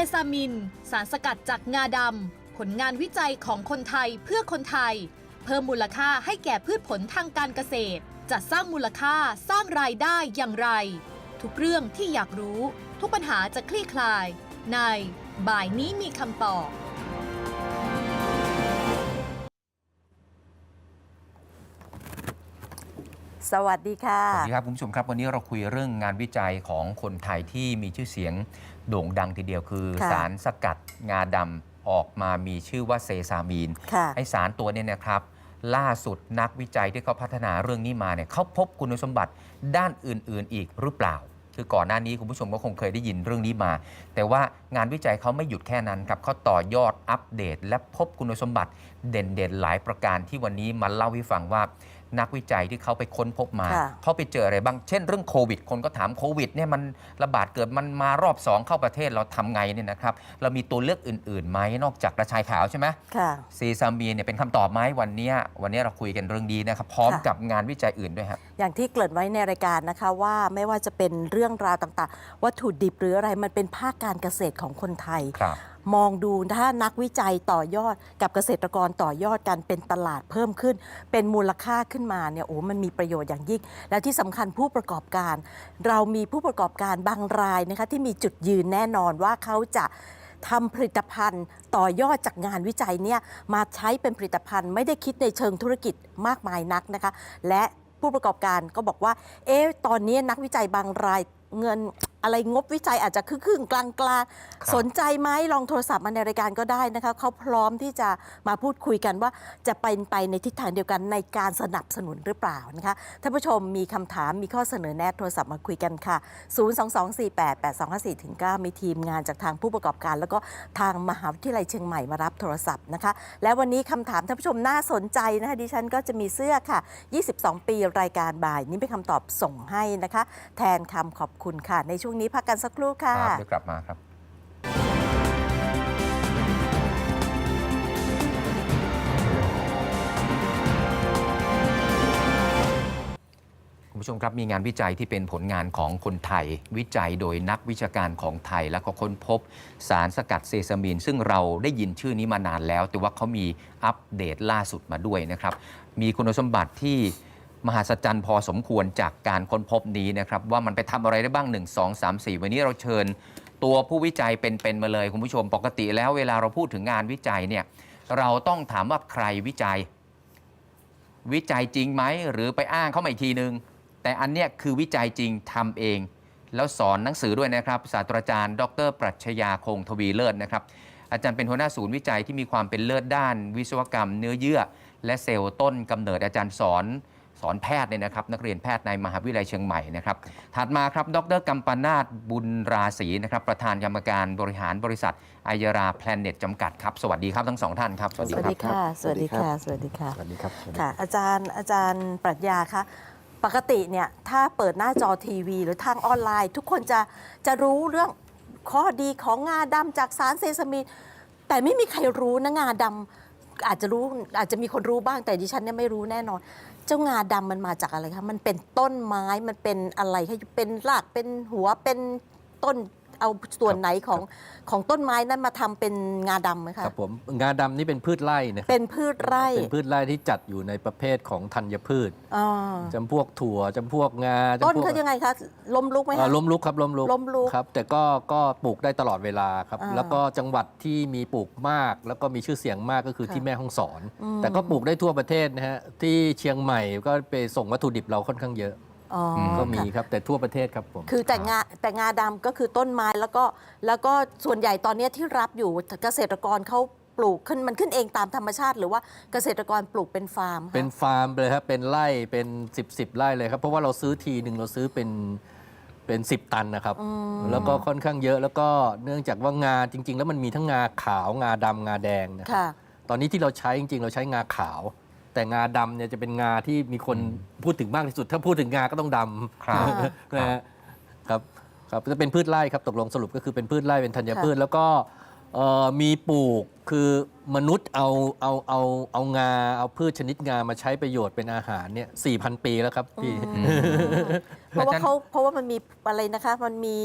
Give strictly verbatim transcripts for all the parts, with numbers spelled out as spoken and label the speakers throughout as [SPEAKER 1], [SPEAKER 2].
[SPEAKER 1] ซามินสารสกัดจากงาดำผลงานวิจัยของคนไทยเพื่อคนไทยเพิ่มมูลค่าให้แก่พืชผลทางการเกษตรจะสร้างมูลค่าสร้างรายได้อย่างไรทุกเรื่องที่อยากรู้ทุกปัญหาจะคลี่คลายในบ่ายนี้มีคำตอบ
[SPEAKER 2] สวัสดีค่ะ
[SPEAKER 3] สวัสดีครับคุณผู้ชมครับวันนี้เราคุยเรื่องงานวิจัยของคนไทยที่มีชื่อเสียงโด่งดังทีเดียวคือสารสกัดงาดำออกมามีชื่อว่าเซซามีนไอสารตัวนี้นะครับล่าสุดนักวิจัยที่เขาพัฒนาเรื่องนี้มาเนี่ยเขาพบคุณสมบัติด้านอื่นๆอีกหรือเปล่าคือก่อนหน้านี้คุณผู้ชมก็คงเคยได้ยินเรื่องนี้มาแต่ว่างานวิจัยเขาไม่หยุดแค่นั้นครับเขาต่อยอดอัปเดตและพบคุณสมบัติเด่นๆหลายประการที่วันนี้มาเล่าให้ฟังว่านักวิจัยที่เขาไปค้นพบมาเขาไปเจออะไรบ้างเช่นเรื่องโควิดคนก็ถามโควิดเนี่ยมันระบาดเกิดมันมารอบสองเข้าประเทศเราทำไงเนี่ยนะครับเรามีตัวเลือกอื่นๆไหมนอกจากกระชายขาวใช่ไหมเซซามีนเนี่ยเป็นคำตอบไหมวันนี้วันนี้เราคุยกันเรื่องดีนะครับพร้อมกับงานวิจัยอื่นด้วยครับ
[SPEAKER 2] อย่างที่เกริ่นไว้ในรายการนะคะว่าไม่ว่าจะเป็นเรื่องราวต่างๆวัตถุดิบหรืออะไรมันเป็นภาคการเกษตรของคนไทยมองดูถ้านักวิจัยต่อยอดกับเกษตรกรต่อยอดกันเป็นตลาดเพิ่มขึ้นเป็นมูลค่าขึ้นมาเนี่ยโอ้มันมีประโยชน์อย่างยิ่งและที่สำคัญผู้ประกอบการเรามีผู้ประกอบการบางรายนะคะที่มีจุดยืนแน่นอนว่าเขาจะทำผลิตภัณฑ์ต่อยอดจากงานวิจัยเนี่ยมาใช้เป็นผลิตภัณฑ์ไม่ได้คิดในเชิงธุรกิจมากมายนักนะคะและผู้ประกอบการก็บอกว่าเอ๊ะตอนนี้นักวิจัยบางรายเงินอะไรงบวิจัยอาจจะครึ่งๆกลางๆสนใจไหมลองโทรศัพท์มาในรายการก็ได้นะคะเขาพร้อมที่จะมาพูดคุยกันว่าจะเป็นไปในทิศทางเดียวกันในการสนับสนุนหรือเปล่านะคะท่านผู้ชมมีคำถามมีข้อเสนอแนะโทรศัพท์มาคุยกันค่ะศูนย์ สอง สอง สี่ แปด แปด สอง ห้า สี่ เก้า มีทีมงานจากทางผู้ประกอบการแล้วก็ทางมหาวิทยาลัยเชียงใหม่มารับโทรศัพท์นะคะและวันนี้คำถามท่านผู้ชมน่าสนใจนะคะดิฉันก็จะมีเสื้อค่ะยี่สิบสองปีรายการบ่ายนี้เป็นคำตอบส่งให้นะคะแทนคำขอบคุณค่ะในช่วงนี้พักกันสักครู่ค่ะ
[SPEAKER 3] เดี๋ยวกลับมาครับคุณผู้ชมครับมีงานวิจัยที่เป็นผลงานของคนไทยวิจัยโดยนักวิชาการของไทยและก็ค้นพบสารสกัดเซซามีนซึ่งเราได้ยินชื่อนี้มานานแล้วแต่ว่าเขามีอัปเดตล่าสุดมาด้วยนะครับมีคุณสมบัติที่มหัศจรรย์พอสมควรจากการค้นพบนี้นะครับว่ามันไปทำอะไรได้บ้างหนึ่ง สอง สาม สี่วันนี้เราเชิญตัวผู้วิจัยเป็นๆมาเลยคุณผู้ชมปกติแล้วเวลาเราพูดถึงงานวิจัยเนี่ยเราต้องถามว่าใครวิจัยวิจัยจริงไหมหรือไปอ้างเข้ามาอีกทีนึงแต่อันเนี้ยคือวิจัยจริงทำเองแล้วสอนหนังสือด้วยนะครับศาสตราจารย์ดร.ปรัชญาคงทวีเลิศนะครับอาจารย์เป็นหัวหน้าศูนย์วิจัยที่มีความเป็นเลิศด้านวิศวกรรมเนื้อเยื่อและเซลล์ต้นกำเนิดอาจารย์สอนสอนแพทย์เนี่ยนะครับนักเรียนแพทย์ในมหาวิทยาลัยเชียงใหม่นะครับถัดมาครับดร.กัมปนาทบุญราศีนะครับประธานกรรมการบริหารบริษัทไอยราแพลนเน็ตจำกัดครับสวัสดีครับทั้งสองท่านครับ
[SPEAKER 2] สวัสดีค่ะสวัสดีค่ะสวัสดีค่ะ
[SPEAKER 4] สวัสดีครับ
[SPEAKER 2] ค่ะอาจารย์อาจารย์ปรัชญาคะปกติเนี่ยถ้าเปิดหน้าจอทีวีหรือทางออนไลน์ ทุกคนจะจะรู้เรื่องข้อดีของงาดำจากสารเซซามีนแต่ไม่มีใครรู้นะงาดำอาจจะรู้อาจจะมีคนรู้บ้างแต่ดิฉันเนี่ยไม่รู้แน่นอนเจ้างาดำมันมาจากอะไรคะมันเป็นต้นไม้มันเป็นอะไรคะเป็นรากเป็นหัวเป็นต้นเอาส่วนไหนของของต้นไม้นั้นมาทำเป็นงาดำไหมคะ
[SPEAKER 4] ครับผมงาดำนี่เป็นพืชไร่นะครับ
[SPEAKER 2] เป็นพืชไร่
[SPEAKER 4] เป็นพืชไร่ที่จัดอยู่ในประเภทของธัญพืชจำพวกถั่วจำพวกงา
[SPEAKER 2] ต้นเขายังไงคะล้มลุกไหมคะ
[SPEAKER 4] ล้มลุกครับล้มลุก
[SPEAKER 2] ล้มลุก
[SPEAKER 4] ครับแต่ก็ก็ปลูกได้ตลอดเวลาครับแล้วก็จังหวัดที่มีปลูกมากแล้วก็มีชื่อเสียงมากก็คือที่แม่ฮ่องสอนแต่ก็ปลูกได้ทั่วประเทศนะฮะที่เชียงใหม่ก็ไปส่งวัตถุดิบเราค่อนข้างเยอะก็มีครับแต่ทั่วประเทศครับผม
[SPEAKER 2] คือแต่งาแต่งาดำก็คือต้นไม้แล้วก็แล้วก็ส่วนใหญ่ตอนนี้ที่รับอยู่เกษตรกรเขาปลูกขึ้นมันขึ้นเองตามธรรมชาติหรือว่าเกษตรกรปลูกเป็นฟาร์ม
[SPEAKER 4] เป็นฟาร์มเลยครับเป็นไร่เป็นสิบสิบไร่เลยครับเพราะว่าเราซื้อทีหนึ่งเราซื้อเป็นเป็นสิบตันนะครับแล้วก็ค่อนข้างเยอะแล้วก็เนื่องจากว่างาจริงๆแล้วมันมีทั้งงาขาวงาดำงาแดงนะครับตอนนี้ที่เราใช้จริงๆเราใช้งาขาวแต่งาดำเนี่ยจะเป็นงาที่มีคนพูดถึงมากที่สุดถ้าพูดถึงงาก็ต้องดำครับครับครับจะเป็นพืชไร่ครับตกลงสรุปก็คือเป็นพืชไร่เป็นธัญพืชแล้วก็มีปลูกคือมนุษย์เอาเอาเอาเอางาเอาพืชชนิดงามาใช้ประโยชน์เป็นอาหารเนี่ยสี่พันปีแล้วครับพี่
[SPEAKER 2] เพราะว่าเขาเพราะว่ามันมีอะไรนะคะมันมี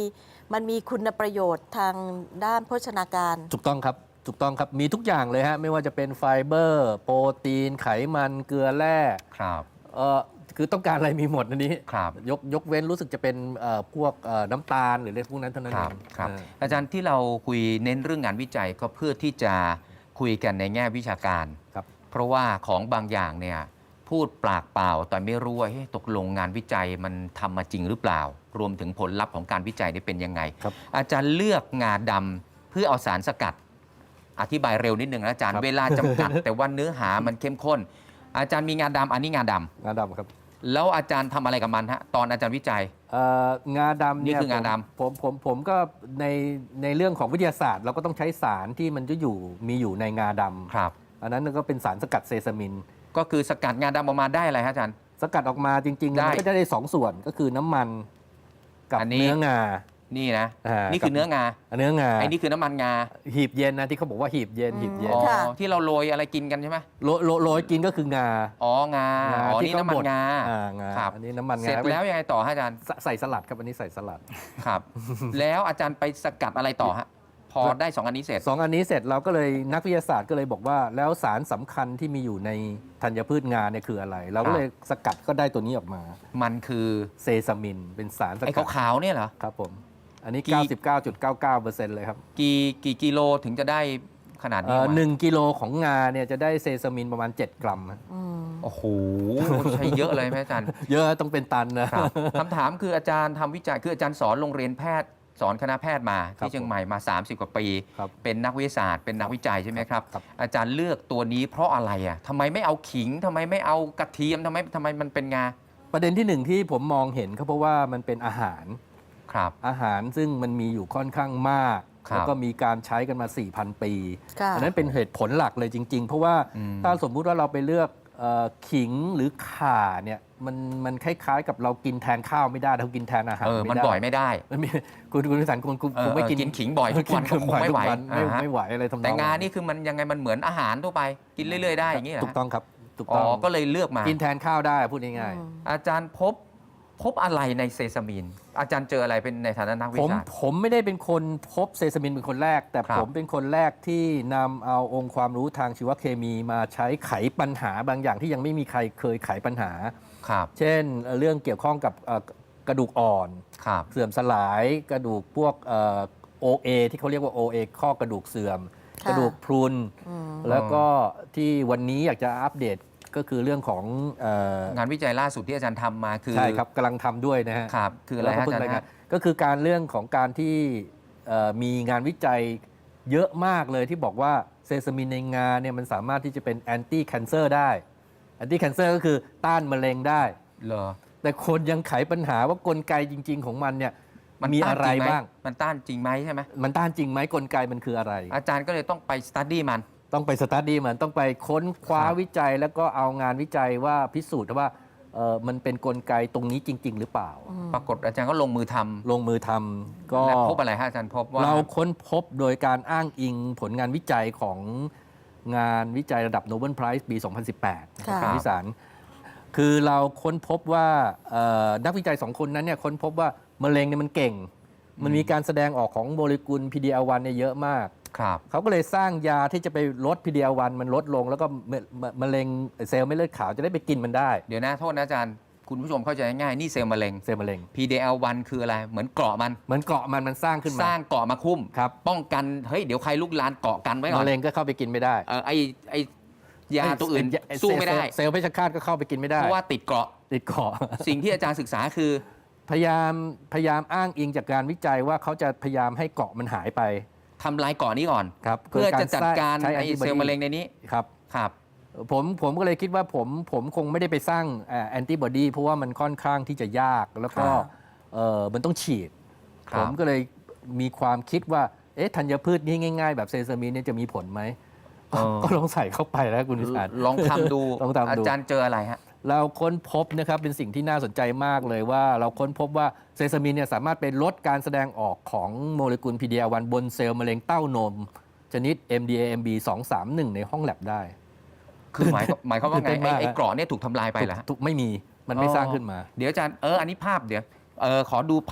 [SPEAKER 2] มันมีคุณประโยชน์ทางด้านโภชนาการ
[SPEAKER 4] ถูกต้องครับถูกต้องครับมีทุกอย่างเลยฮะไม่ว่าจะเป็นไฟเบอร์ โปรตีน ไขมันเกลือแร่
[SPEAKER 3] ครับ
[SPEAKER 4] เอ่อคือต้องการอะไรมีหมดอันนี้
[SPEAKER 3] ครับ
[SPEAKER 4] ยกยกเว้นรู้สึกจะเป็นเอ่อพวกเอ่อน้ำตาลหรืออะไรพวกนั้นเท่านั้น
[SPEAKER 3] ค
[SPEAKER 4] เอ
[SPEAKER 3] รับ
[SPEAKER 4] ง
[SPEAKER 3] ครับ
[SPEAKER 4] เออ
[SPEAKER 3] อาจารย์ที่เราคุยเน้นเรื่องงานวิจัยก็เพื่อที่จะคุยกันในแง่วิชาการ
[SPEAKER 4] ครับ
[SPEAKER 3] เพราะว่าของบางอย่างเนี่ยพูดปากเปล่าแต่ไม่รู้ว่าเฮ้ยตกลงงานวิจัยมันทำมาจริงหรือเปล่า รวมถึงผลลัพธ์ของการวิจัยนี่เป็นยังไง
[SPEAKER 4] ครับ
[SPEAKER 3] อาจารย์เลือกงาดำเพื่อเอาสารสกัด อธิบายเร็วนิดนึงนะอาจารย์
[SPEAKER 4] ครับ
[SPEAKER 3] เวลาจำกัด แต่ว่าเนื้อหามันเข้มข้น อาจารย์มีงาดำอันนี้งาดำ
[SPEAKER 4] งาดำครับ
[SPEAKER 3] แล้วอาจารย์ทำอะไรกับมันฮะตอนอาจารย์วิจัย
[SPEAKER 4] เอ่องาดำเนี่ย
[SPEAKER 3] นี่คืองาดำ
[SPEAKER 4] ผมผมผมผมก็ในในเรื่องของวิทยาศาสตร์ เราก็ต้องใช้สารที่มันจะอยู่มีอยู่ในงาดำ
[SPEAKER 3] ครับ
[SPEAKER 4] อันนั้นก็เป็นสารสกัดเซซามิน
[SPEAKER 3] ก็คือสกัดงาดำออกมาได้อะไรฮะอาจารย์
[SPEAKER 4] สกัดออกมาจริงๆ
[SPEAKER 3] ได้
[SPEAKER 4] มันก็จะได้สองส่วนก็คือน้ำมันกับ
[SPEAKER 3] อันนี้
[SPEAKER 4] เนื้องา
[SPEAKER 3] นี่นะ
[SPEAKER 4] อ่านี่
[SPEAKER 3] นี่คือเนื้องา
[SPEAKER 4] เนื้องา
[SPEAKER 3] ไอ้นี่คือน้ำมันงา
[SPEAKER 4] หีบเย็นนะที่เขาบอกว่าหีบเย็น
[SPEAKER 2] อืม
[SPEAKER 4] หีบเย็น
[SPEAKER 3] อ๋อ
[SPEAKER 2] ค่ะ
[SPEAKER 3] ที่เราโรยอะไรกินกันใช่ไหม
[SPEAKER 4] โรโรโรยกินก็คืองา
[SPEAKER 3] อ๋องา
[SPEAKER 4] งา
[SPEAKER 3] อ๋อ
[SPEAKER 4] ที่
[SPEAKER 3] นี่
[SPEAKER 4] เขา
[SPEAKER 3] น้ำมัน
[SPEAKER 4] บด
[SPEAKER 3] งา
[SPEAKER 4] อ่างา
[SPEAKER 3] ครับ
[SPEAKER 4] อันนี้น้ำมัน
[SPEAKER 3] เสร็
[SPEAKER 4] งา
[SPEAKER 3] จแล้วยังไงต่อฮะอาจารย์
[SPEAKER 4] ใส่ใส่สลัดครับอันนี้ใส่สลัด
[SPEAKER 3] ครับ แล้วอาจารย์ไปสกัดอะไรต่อฮะพอได้สองอันนี้เสร็จ
[SPEAKER 4] สองอันนี้เสร็จเราก็เลยนักวิทยาศาสตร์ก็เลยบอกว่าแล้วสารสำคัญที่มีอยู่ในธัญพืชงาเนี่ยคืออะไร เราก็เลยสกัดก็ได้ตัวนี้ออกมา
[SPEAKER 3] มันคือ
[SPEAKER 4] เซซามิน เป็นสารส
[SPEAKER 3] ไอ้
[SPEAKER 4] กัด
[SPEAKER 3] ขาวๆเนี่ยเหรอ
[SPEAKER 4] ครับผมอันนี้
[SPEAKER 3] กี่
[SPEAKER 4] เก้าสิบเก้าจุดเก้าเก้าเปอร์เซ็นต์ เลยครับ
[SPEAKER 3] กี่กี่กิโลถึงจะได้ขนาดนี้
[SPEAKER 4] เอ่อ
[SPEAKER 3] ออกมา
[SPEAKER 4] หนึ่งกิโลของงาเนี่ยจะได้เซซามินประมาณ เจ็ด กรัมนะ
[SPEAKER 2] อืม
[SPEAKER 3] โอ้โหใช้เยอะเลยไหมอาจารย์
[SPEAKER 4] เยอะต้องเป็นตันนะครับ
[SPEAKER 3] คำถามคืออาจารย์ทำวิจัยคืออาจารย์สอนโรงเรียนแพทย์สอนคณะแพทย์มา
[SPEAKER 4] ครับ
[SPEAKER 3] ที่เชียงใหม่มา สามสิบ กว่าปี
[SPEAKER 4] ครับ
[SPEAKER 3] เป็นนักวิทยาศาสตร์เป็นนักวิจัยใช่ไหมครับ
[SPEAKER 4] ครับ
[SPEAKER 3] อาจารย์เลือกตัวนี้เพราะอะไรอ่ะทำไมไม่เอาขิงทำไมไม่เอากระเทียมทำไมทำไมมันเป็นงา
[SPEAKER 4] ประเด็นที่หนึ่งที่ผมมองเห็นก็เพราะว่ามันเป็นอาหาร
[SPEAKER 3] ครับ
[SPEAKER 4] อาหารซึ่งมันมีอยู่ค่อนข้างมาก
[SPEAKER 3] ครับ
[SPEAKER 4] แล้วก็มีการใช้กันมา สี่พัน ปี
[SPEAKER 2] ค่ะ
[SPEAKER 4] อันนั้นเป็นเหตุผลหลักเลยจริง ๆ เพราะว่า
[SPEAKER 3] อืม
[SPEAKER 4] ถ้าสมมุติว่าเราไปเลือกเอ่อขิงหรือข่าเนี่ยมันมันคล้ายๆ กับเรากินแทนข้าวไม่ได้เรากินแทนอาหาร
[SPEAKER 3] เออ
[SPEAKER 4] ไม่
[SPEAKER 3] มัน
[SPEAKER 4] ได้
[SPEAKER 3] บ่อยไม่ได้
[SPEAKER 4] มันมีคุณคุณวิสันคุณคุณ
[SPEAKER 3] เออ
[SPEAKER 4] คงไม่กิน
[SPEAKER 3] เออกินขิงบ่อยทุกวัน
[SPEAKER 4] กิน
[SPEAKER 3] คงไม่ไหว
[SPEAKER 4] ทุกนไม่
[SPEAKER 3] อ่าฮะ
[SPEAKER 4] ไม่ไหวอะไรทำนอง
[SPEAKER 3] แต่งานี่คือมันยังไงมันเหมือนอาหารทั่วไปกินเรื่อย ๆ ได้อย่างนี้เหรอ
[SPEAKER 4] ถูกต้องครับถูก
[SPEAKER 3] อ๋
[SPEAKER 4] ต้
[SPEAKER 3] อ
[SPEAKER 4] อง
[SPEAKER 3] ก็เลยเลือกมา
[SPEAKER 4] กินแทนข้าวได้พูดง่าย
[SPEAKER 2] อืม
[SPEAKER 3] อาจารย์พบพบอะไรในเซซามิน อาจารย์เจออะไรเป็นในฐานะนักวิ
[SPEAKER 4] ๆผม
[SPEAKER 3] ชาการ
[SPEAKER 4] ผมไม่ได้เป็นคนพบเซซามินเป็นคนแรก แต่
[SPEAKER 3] ครับ
[SPEAKER 4] ผมเป็นคนแรกที่นำเอาองค์ความรู้ทางชีวเคมีมาใช้ไขปัญหาบางอย่างที่ยังไม่มีใครเคยไขปัญหา
[SPEAKER 3] ครับ
[SPEAKER 4] เช่นเอ่อเรื่องเกี่ยวข้องกับเอ่อกระดูกอ่อน
[SPEAKER 3] ครับ
[SPEAKER 4] เสื่อมสลายกระดูกพวกเอ่อ โอ เอ ที่เขาเรียกว่า โอ เอ ข้อกระดูกเสื่อม
[SPEAKER 2] ค่ะ
[SPEAKER 4] กระดูกพรุน
[SPEAKER 2] อืม
[SPEAKER 4] แล้วก็ที่วันนี้อยากจะอัปเดตก็คือเรื่องของเอ่อง
[SPEAKER 3] านวิจัยล่าสุดที่อาจารย์ทำมาคือ
[SPEAKER 4] ใช่ครับกำลังทำด้วยนะฮะ
[SPEAKER 3] ครับ คืออะไร
[SPEAKER 4] แล้วก็
[SPEAKER 3] ฮะอา
[SPEAKER 4] เพิ่ง
[SPEAKER 3] จาร
[SPEAKER 4] ราย
[SPEAKER 3] ย์
[SPEAKER 4] งาน
[SPEAKER 3] ฮะ
[SPEAKER 4] ก็คือการเรื่องของการที่เอ่อมีงานวิจัยเยอะมากเลยที่บอกว่าเซซามินในงาเนี่ยมันสามารถที่จะเป็นแอนตี้แคนเซอร์ได้แอนตี้แคนเซอร์ก็คือต้านมะเร็งได้
[SPEAKER 3] เหรอ
[SPEAKER 4] แต่คนยังไขปัญหาว่ากลไกจริง ๆ ของมันเนี่ย
[SPEAKER 3] มัน
[SPEAKER 4] มี
[SPEAKER 3] ต้า
[SPEAKER 4] อะ
[SPEAKER 3] น
[SPEAKER 4] ไร
[SPEAKER 3] จริงไหม
[SPEAKER 4] บ้าง
[SPEAKER 3] มันต้านจริงไหมใช่ไหม
[SPEAKER 4] มันต้านจริงไหมกลไกมันคืออะไร
[SPEAKER 3] อาจารย์ก็เลยต้องไปสตัดดี้มัน
[SPEAKER 4] ต้องไปสตาร์ดี้มันต้องไปค้นคว้า
[SPEAKER 3] ครับ
[SPEAKER 4] วิจัย แล้วก็เอางานวิจัยว่าพิสูจน์ว่าเอ่อมันเป็นกลไกตรงนี้จริง ๆ หรือเปล่า
[SPEAKER 3] ปรากฏอาจารย์ก็ลงมือทำ
[SPEAKER 4] ลงมือทำก็
[SPEAKER 3] และพบอะไรฮะอาจารย์พบว่า
[SPEAKER 4] เราค้นพบโดยการอ้างอิงผลงานวิจัยของงานวิจัยระดับโนเบิลไพรส์ปี สองพันสิบแปด
[SPEAKER 2] ค่ะ
[SPEAKER 4] คุณวิสารคือเราค้นพบว่าเอ่อนักวิจัยสองคนนั้นเนี่ยค้นพบว่ามะเร็งเนี่ยมันเก่ง มันมีการแสดงออกของโมเลกุล พี ดี แอล วัน เนี่ยเยอะมาก
[SPEAKER 3] ครับ
[SPEAKER 4] เขาก็เลยสร้างยาที่จะไปลด พี ดี แอล วัน มันลดลง แล้วก็มะมะมะเร็งเซลล์เม็ดเลือดขาวจะได้ไปกินมันได้
[SPEAKER 3] เดี๋ยวนะโทษนะอาจารย์ คุณผู้ชมเข้าใจง่ายๆนี่เซลล์มะเร็ง
[SPEAKER 4] เซลล์มะเร็ง
[SPEAKER 3] พี ดี แอล วัน คืออะไร เหมือนเกราะมัน
[SPEAKER 4] เหมือนเกาะมันมันสร้างขึ้น
[SPEAKER 3] ส
[SPEAKER 4] มา
[SPEAKER 3] ร้างเกราะมาคุ้ม
[SPEAKER 4] ครับ
[SPEAKER 3] ป้องกัน เฮ้ย เดี๋ยวใครลุกลานเกาะกันไว้ก่อน
[SPEAKER 4] มะเร็งก็เข้าไปกินไม่ได้
[SPEAKER 3] เออไอไอยาตัวอื่น
[SPEAKER 4] ไอ้
[SPEAKER 3] สู้ไม่ได้
[SPEAKER 4] เซลล์เพชฌฆาตก็เข้าไปกินไม่ได้
[SPEAKER 3] เพราะว่าติดเกราะ
[SPEAKER 4] ติดเกาะ
[SPEAKER 3] สิ่งที่อาจารย์ศึกษาคือ
[SPEAKER 4] พยายามพยายามอ้างอิงจากการวิจัยว่าเขาจะพยายามให้เกาะมันหายไป
[SPEAKER 3] ทำลายเกราะนี้ก่อน
[SPEAKER 4] ครับ
[SPEAKER 3] เพื่อจะจัดการ
[SPEAKER 4] ใช้
[SPEAKER 3] ไอ
[SPEAKER 4] antibody
[SPEAKER 3] เซลล์มะเร็งในนี้
[SPEAKER 4] ครับ
[SPEAKER 3] ครับ
[SPEAKER 4] ผมผมก็เลยคิดว่าผมผมคงไม่ได้ไปสร้างแอนติบอดีเพราะว่ามันค่อนข้างที่จะยากแล้วก็
[SPEAKER 3] ครับ
[SPEAKER 4] เออมันต้องฉีด
[SPEAKER 3] ครับ
[SPEAKER 4] ผมก็เลยมีความคิดว่าเอ๊ะธัญพืชนี่ง่าย ๆ แบบเซซามินเนี่ยจะมีผลไหม
[SPEAKER 3] เออ
[SPEAKER 4] ก็ลองใส่เข้าไปแล้วคุณวิสาร
[SPEAKER 3] ลองทำดู
[SPEAKER 4] ลองทำดู
[SPEAKER 3] อาจารย์เจออะไรฮะ
[SPEAKER 4] เราค้นพบนะครับเป็นสิ่งที่น่าสนใจมากเลยว่าเราค้นพบว่าเซซามินเนี่ยสามารถไปลดการแสดงออกของโมเลกุล พี ดี แอล วัน บนเซลล์มะเร็งเต้านม ชนิด เอ็ม ดี เอ เอ็ม บี สองสามหนึ่ง ในห้องแลบได้
[SPEAKER 3] คือหมายหมายความว่าไง
[SPEAKER 4] ตื่นเต้น
[SPEAKER 3] ไอ้
[SPEAKER 4] มาก
[SPEAKER 3] ไอ้
[SPEAKER 4] ฮะ
[SPEAKER 3] เกราะเนี่ยถูกทำลายไปเหรอฮะ
[SPEAKER 4] ถูกไม่มีมันไม่สร้างขึ้นมา
[SPEAKER 3] เดี๋ยวอาจารย์เอออันนี้ภาพเดี๋ยวเออขอดูภาพ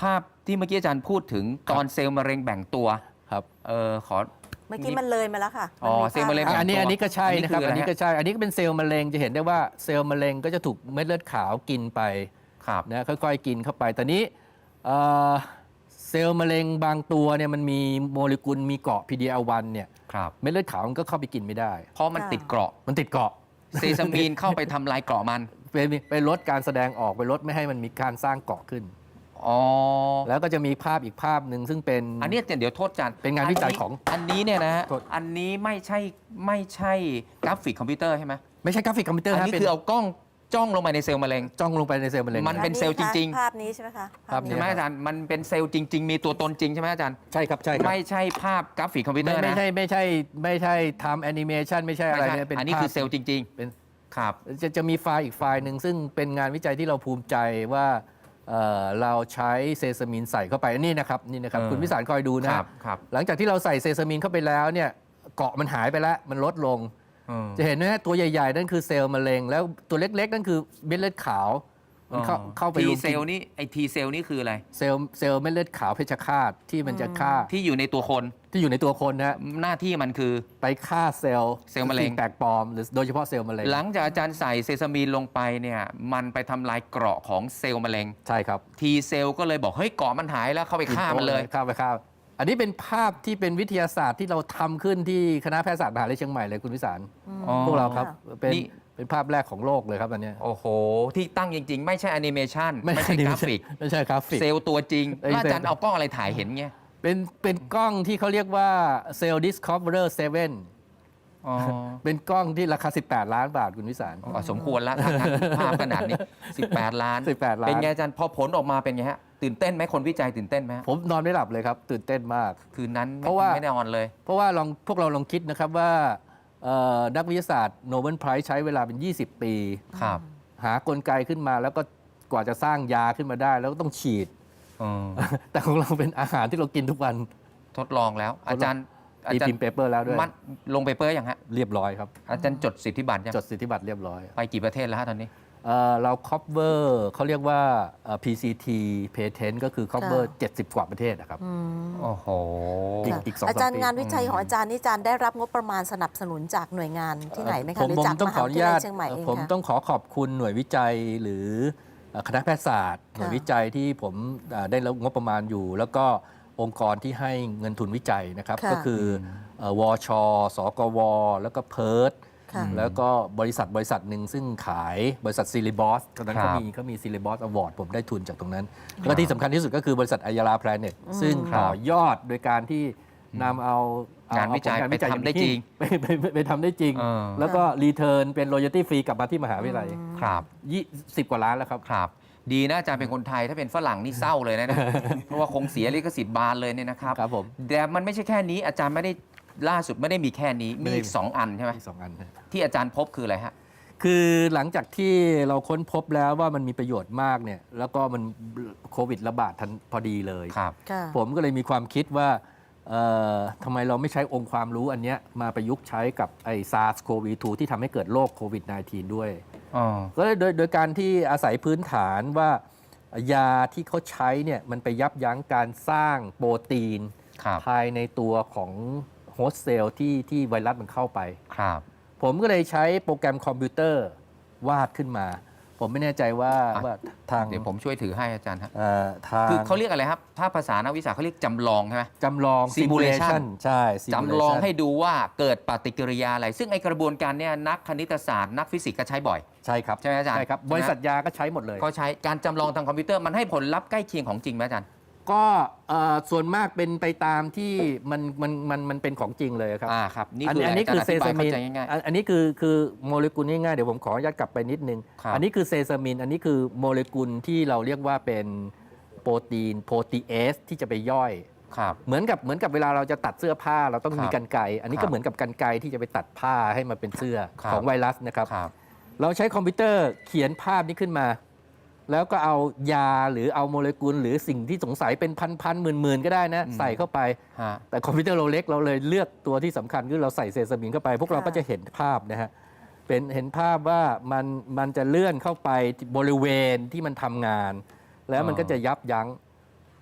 [SPEAKER 3] ที่เมื่อกี้อาจารย์พูดถึงตอนเซลล์มะเร็งแบ่งตัว
[SPEAKER 4] ครับ
[SPEAKER 3] เออขอ
[SPEAKER 2] เมื่อกี้มันเลยมาแล้วค่ะ
[SPEAKER 3] อ๋อ
[SPEAKER 2] มัน
[SPEAKER 3] เซลล์มะเร็ง
[SPEAKER 2] ภาพ
[SPEAKER 4] อันนี้อันนี้ก็ใช่นะครับ
[SPEAKER 3] อั
[SPEAKER 4] อั
[SPEAKER 3] น
[SPEAKER 4] น
[SPEAKER 3] นี้
[SPEAKER 4] นี้
[SPEAKER 3] คืออะไรฮะ
[SPEAKER 4] ก็ใช่อันนี้ก็เป็นเซลล์มะเร็งจะเห็นได้ว่าเซลล์มะเร็งก็จะถูกเม็ดเลือดขาวกินไป
[SPEAKER 3] ครับ
[SPEAKER 4] นะค่อยๆกินเข้าไปแต่นี้เอ่อเซลล์มะเร็งบางตัวเนี่ยมันมีโมเลกุลมีเกาะ พี ดี แอล วันเนี่ย
[SPEAKER 3] ครับ
[SPEAKER 4] เม็ดเลือดขาวมันก็เข้าไปกินไม่ได้
[SPEAKER 3] เพราะมันติดเกราะ
[SPEAKER 4] มันติดเกาะ
[SPEAKER 3] เซซามีนเข้าไปทำลายเกราะมัน
[SPEAKER 4] ไปไปลดการแสดงออกไปลดไม่ให้มันมีการสร้างเกาะขึ้น
[SPEAKER 3] อ๋อ
[SPEAKER 4] แล้วก็จะมีภาพอีกภาพหนึ่งซึ่งเป็น
[SPEAKER 3] อันนี้เดี๋ยวโทษอาจารย์
[SPEAKER 4] เป็นงานวิจัยของ
[SPEAKER 3] อันนี้เนี่ยนะฮะ
[SPEAKER 4] โทษ
[SPEAKER 3] อันนี้ไม่ใช่ไม่ใช่กราฟิกคอมพิวเตอร์ใช่ไหม
[SPEAKER 4] ไม่ใช่กราฟิกคอมพิวเตอร์
[SPEAKER 3] อัน
[SPEAKER 4] ฮะ
[SPEAKER 3] นี้
[SPEAKER 4] เป็น
[SPEAKER 3] คือเอากล้องจ้องลงไปในเซลล์มะเร็ง
[SPEAKER 4] จ้องลงไปในเซลล์มะเร็ง
[SPEAKER 3] มัน เป็นเซลล์จริงๆ
[SPEAKER 2] ภาพนี้ใช่ไหมคะ
[SPEAKER 4] ภาพนี้
[SPEAKER 3] ใช่ไหมอาจารย์มันเป็นเซลล์จริง ๆ มีตัวตนจริงใช่ไหมอาจารย์
[SPEAKER 4] ใช่ครับใช่ครับ
[SPEAKER 3] ไม่ใช่ภาพกราฟิกคอมพิวเตอ
[SPEAKER 4] ไม่
[SPEAKER 3] ร์
[SPEAKER 4] ไม่
[SPEAKER 3] นะ
[SPEAKER 4] ใช่ไม่ใช่ไม่ใช่ทำแอนิเมชันไม่ใช่อะไร
[SPEAKER 3] ไม่ใช่
[SPEAKER 4] เนี่ยเป็น
[SPEAKER 3] อันนี้
[SPEAKER 4] ภาพ
[SPEAKER 3] คือเซลล์จริง
[SPEAKER 4] เป็น
[SPEAKER 3] ๆ ครับ
[SPEAKER 4] จะจะมีไฟล์อีกไฟล์หนึ่งซึ่งเป็นงานวิจัยที่เราภูมิใจว่าเอ่อเราใช้เซซามินใส่เข้าไปนี่นะครับนี่นะครับ
[SPEAKER 3] เออ
[SPEAKER 4] คุณพิสารคอยดู
[SPEAKER 3] ค
[SPEAKER 4] นะ
[SPEAKER 3] รับครับ
[SPEAKER 4] หลังจากที่เราใส่เซซามินเข้าไปแล้วเนี่ยเกาะมันหายไปแล้วมันลดลง
[SPEAKER 3] อืม
[SPEAKER 4] จะเห็นไหมฮะตัวใหญ่ๆ นั่นคือเซลล์มะเร็ง แล้วตัวเล็กๆ นั่นคือเม็ดเลือดขาวมันเข้าเข้าไป
[SPEAKER 3] ที
[SPEAKER 4] รุม
[SPEAKER 3] เซ
[SPEAKER 4] กิน
[SPEAKER 3] ลล์นี่ไอทีเซลล์นี่คืออะไร
[SPEAKER 4] เซลล์เซลล์เม็ดเลือดขาวเพชฌฆาตที่มันจะฆ่า
[SPEAKER 3] ที่อยู่ในตัวคน
[SPEAKER 4] ที่อยู่ในตัวคนนะฮะ
[SPEAKER 3] หน้าที่มันคือ
[SPEAKER 4] ไปฆ่าเซลล์
[SPEAKER 3] เซลล์มะเร็ง
[SPEAKER 4] สิ่แปลกปลอมหรือโดยเฉพาะเซลล์มะเร็ง
[SPEAKER 3] หลังจากอาจารย์ใส่เซซามีนลงไปเนี่ยมันไปทำลายเกราะของเซลล์มะเร็ง
[SPEAKER 4] ใช่ครับ
[SPEAKER 3] ทีเซลล์ก็เลยบอกเฮ้ยเกราะมันหายแล้วเข้าไปฆ่ามันเลย
[SPEAKER 4] ฆ่าไปฆ่าอันนี้เป็นภาพที่เป็นวิทยาศาสตร์ที่เราทำขึ้นที่คณะแพทยศาสตร์มหาวิทยาลัยเชียงใหม่เลยคุณวิสาร
[SPEAKER 3] อ๋อ
[SPEAKER 4] พวกเราครับเป็น
[SPEAKER 3] นี่
[SPEAKER 4] เป็นภาพแรกของโลกเลยครับอันเนี้ย
[SPEAKER 3] โอ้โห ที่ตั้งจริง ๆ ไม่ใช่แอนิเมชัน
[SPEAKER 4] ไม่
[SPEAKER 3] ไม่
[SPEAKER 4] ใช่
[SPEAKER 3] ใช่กราฟิก
[SPEAKER 4] ไม่ใช่กราฟิก
[SPEAKER 3] เซลล์ตัวจริง
[SPEAKER 4] ไอ้
[SPEAKER 3] แล้วอา
[SPEAKER 4] เซลล์
[SPEAKER 3] จารย์เอากล้องอะไรถ่ายเห็นเงี้ย
[SPEAKER 4] เป็นเป็นกล้องที่เขาเรียกว่า Cell Discoverer เซเว่น
[SPEAKER 3] อ๋อ
[SPEAKER 4] เป็นกล้องที่ราคา สิบแปด ล้านบาทคุณวิสาร
[SPEAKER 3] อ๋อสมควรแล้วถ้างั้นภาพขนาดนี้ สิบแปด ล้าน
[SPEAKER 4] สิบแปดล้าน
[SPEAKER 3] เป็นไงอาจารย์พอผลออกมาเป็นไงฮะตื่นเต้นไหมคนวิจัยตื่นเต้นไหมฮะ
[SPEAKER 4] ผมนอนไม่หลับเลยครับ ตื่นเต้นมาก
[SPEAKER 3] คืนนั้น
[SPEAKER 4] เพราะว่า
[SPEAKER 3] ไม่ได้นอนเลย
[SPEAKER 4] เพราะว่าลองพวกเราลองคิดนะครับว่าเอ่อนักวิทยาศาสตร์โนเบิลไพรส์ใช้เวลาเป็น ยี่สิบ ปี
[SPEAKER 3] ครับ
[SPEAKER 4] หากลไกขึ้นมาแล้วก็กว่าจะสร้างยาขึ้นมาได้ แล้วก็ต้องฉีด
[SPEAKER 3] อืม
[SPEAKER 4] แต่ของเราเป็นอาหารที่เรากินทุกวัน
[SPEAKER 3] ทดลองแล้ว อาจารย์อา
[SPEAKER 4] ตี
[SPEAKER 3] จาร
[SPEAKER 4] พิม
[SPEAKER 3] ย์
[SPEAKER 4] พ์เปเปอร์แล้วด้วย
[SPEAKER 3] มัดลงเปเปอร์ยังฮะ
[SPEAKER 4] เรียบร้อยครับ
[SPEAKER 3] อาจารย์จดสิทธิบัตรยัง
[SPEAKER 4] จดสิทธิบัตรเรียบร้อย
[SPEAKER 3] ไปกี่ประเทศแล้วฮะตอนนี้
[SPEAKER 4] เอ่อเรา cover เขาเรียกว่าเอ่อ พี ซี ที patent ก็คือ cover
[SPEAKER 2] ค่ะ
[SPEAKER 4] เจ็ดสิบ กว่าประเทศนะครับ
[SPEAKER 2] อืม
[SPEAKER 3] โอ้โห
[SPEAKER 4] อีก
[SPEAKER 2] ค่ะ
[SPEAKER 4] อีกสองสาม
[SPEAKER 2] อาจารย์
[SPEAKER 4] ปี
[SPEAKER 2] งานวิจัยของอาจารย์นี่อาจารย์ได้รับงบประมาณสนับสนุนจากหน่วยงานที่ไหนไหม
[SPEAKER 4] ผ
[SPEAKER 2] คะหรือ
[SPEAKER 4] ผม
[SPEAKER 2] จาก
[SPEAKER 4] ต้อ
[SPEAKER 2] ม
[SPEAKER 4] งข
[SPEAKER 2] หา
[SPEAKER 4] ออ
[SPEAKER 2] วิ
[SPEAKER 4] นุ
[SPEAKER 2] ทยา
[SPEAKER 4] ญา
[SPEAKER 2] ลั
[SPEAKER 4] ต
[SPEAKER 2] ยเชียงใหม่เอง
[SPEAKER 4] ผม
[SPEAKER 2] ค่ะ
[SPEAKER 4] ต้องขอขอบคุณหน่วยวิจัยหรือเอ่อคณะแพทยศาสตร์ หน่วยวิจัยที่ผมเอ่อได้รับงบประมาณอยู่ แล้วก็องค์กรที่ให้เงินทุนวิจัยนะครับ
[SPEAKER 2] ค่ะ
[SPEAKER 4] ก็คือเอ่อวช สกว แล้วก็เพิร์ด
[SPEAKER 2] ค่ะ
[SPEAKER 4] แล้วก็บริษัทบริษัทหนึ่งซึ่งขายบริษัทซีรีบอสตอนนั้น
[SPEAKER 3] ครั
[SPEAKER 4] เขา
[SPEAKER 3] บ
[SPEAKER 4] มีเขามีซีรีบอสอวอร์ดผมได้ทุนจากตรงนั้น แล้วก็ที่สำคัญที่สุดก็คือบริษัทอายาลาแพลเน็ตซึ่งต่อยอดโดยการที่นำเอาเอ
[SPEAKER 3] งานวิจัย
[SPEAKER 4] เอผล
[SPEAKER 3] ไปทำได้จริง
[SPEAKER 4] ไปไปไปไปทำได้จริง
[SPEAKER 3] เออ
[SPEAKER 4] แล้วก็รีเทิร์นเป็น royalty free กลับมาที่มหาวิทยาลัย
[SPEAKER 3] ครับ
[SPEAKER 4] ยี่สิบกว่าล้านแล้วครับ
[SPEAKER 3] ครับ ดีนะอาจารย์เป็นคนไทยถ้าเป็นฝรั่งนี่เศร้าเลยนะเนี่ย เพราะว่าคงเสียลิขสิทธิ์บานเลยเนี่ยนะครับ
[SPEAKER 4] ครับผม
[SPEAKER 3] แต่มันไม่ใช่แค่นี้อาจารย์ไม่ได้ล่าสุดไม่ได้มีแค่นี้
[SPEAKER 4] ไม่
[SPEAKER 3] มี
[SPEAKER 4] ได้
[SPEAKER 3] อีกสองอันใช่ไหม
[SPEAKER 4] มีสองอันนะ
[SPEAKER 3] ที่อาจารย์พบคืออะไรฮะ
[SPEAKER 4] คือหลังจากที่เราค้นพบแล้วว่ามันมีประโยชน์มากเนี่ยแล้วก็มันโควิดระบาดทันพอดีเลย
[SPEAKER 3] ครับ
[SPEAKER 2] ค่ะ
[SPEAKER 4] ผมก็เลยมีความคิดว่าเอ่อทำไมเราไม่ใช้องค์ความรู้อันเนี้ยมาประยุกต์ใช้กับไอ้ ซาร์ส โควี ทู ที่ทำให้เกิดโรคโควิด สิบเก้า ด้วย
[SPEAKER 3] อ๋อ
[SPEAKER 4] ก็เลยโดยโดยการที่อาศัยพื้นฐานว่ายาที่เขาใช้เนี่ยมันไปยับยั้งการสร้างโปรตีน
[SPEAKER 3] ครับ
[SPEAKER 4] ภายในตัวของโฮสต์เซลล์ที่ที่ไวรัสมันเข้าไป
[SPEAKER 3] ครับ
[SPEAKER 4] ผมก็เลยใช้โปรแกรมคอมพิวเตอร์วาดขึ้นมา ผมไม่แน่ใจว่า
[SPEAKER 3] อ่ะ
[SPEAKER 4] ว่าทาง
[SPEAKER 3] เดี๋ยวผมช่วยถือให้อาจารย์ฮะ
[SPEAKER 4] เอ่อทาง
[SPEAKER 3] คือเขาเรียกอะไรครับ ถ้าภาษานักวิชาเขาเรียกจำลองใช่ไหม
[SPEAKER 4] จำลอง
[SPEAKER 3] Simulation
[SPEAKER 4] ใช่
[SPEAKER 3] จำลอง
[SPEAKER 4] Simulation
[SPEAKER 3] ให้ดูว่าเกิดปฏิกิริยาอะไร ซึ่งไอกระบวนการเนี่ยนักคณิตศาสตร์นักฟิสิกส์ก็ใช้บ่อย
[SPEAKER 4] ใช่ครับ
[SPEAKER 3] ใช่ไหมอาจารย์
[SPEAKER 4] ใช่ครับ
[SPEAKER 3] ใช่ไหม
[SPEAKER 4] บริษัทยาก็ใช้หมดเลย
[SPEAKER 3] เขาใช้การจำลองทางคอมพิวเตอร์มันให้ผลลัพธ์ใกล้เคียงของจริงไหมอาจารย์
[SPEAKER 4] ก็เอ่อส่วนมากเป็นไปตามที่มันมันมันมันเป็นของจริงเลยครับ
[SPEAKER 3] อ่าครับนี่
[SPEAKER 4] อัน
[SPEAKER 3] คือ
[SPEAKER 4] อันนี้
[SPEAKER 3] อาจาร
[SPEAKER 4] คือ
[SPEAKER 3] ย์อ
[SPEAKER 4] เซ
[SPEAKER 3] ธิบา
[SPEAKER 4] ซาย มิ
[SPEAKER 3] เข้าน ใจง่าย
[SPEAKER 4] อันอันนี้คือคือโมเลกุลง่ายๆเดี๋ยวผมขออนุญาตกลับไปนิดนึง
[SPEAKER 3] ครับ
[SPEAKER 4] อันนี้คือเซซามิน อันนี้คือโมเลกุลที่เราเรียกว่าเป็นโปรตีนโปรตีเอสที่จะไปย่อย
[SPEAKER 3] ๆครับ
[SPEAKER 4] เหมือนกับเหมือนกับเวลาเราจะตัดเสื้อผ้าเราต้อง
[SPEAKER 3] ครับ
[SPEAKER 4] มีกรรไกรอันนี้
[SPEAKER 3] ครั
[SPEAKER 4] ก็
[SPEAKER 3] บ
[SPEAKER 4] เหมือนกับกรรไกรที่จะไปตัดผ้าให้มาเป็นเสื้อ
[SPEAKER 3] ครับ
[SPEAKER 4] ของไวรัสนะครับ
[SPEAKER 3] ครับ
[SPEAKER 4] เราใช้คอมพิวเตอร์เขียนภาพนี้ขึ้นมา แล้วก็เอายาหรือเอาโมเลกุลหรือสิ่งที่สงสัยเป็นพันๆหมื่นๆก็ได้นะ
[SPEAKER 3] อืม
[SPEAKER 4] ใส่เข้าไป
[SPEAKER 3] ฮะ
[SPEAKER 4] แต่คอมพิวเตอร์เราเล็กเราเลยเลือกตัวที่สำคัญคือเราใส่เซซามินเข้าไป พวกเราก็จะเห็นภาพนะฮะเป็นเห็นภาพว่ามันมันจะเลื่อนเข้าไปบริเวณที่มันทำงาน แล้วมันก็จะยับยั้ง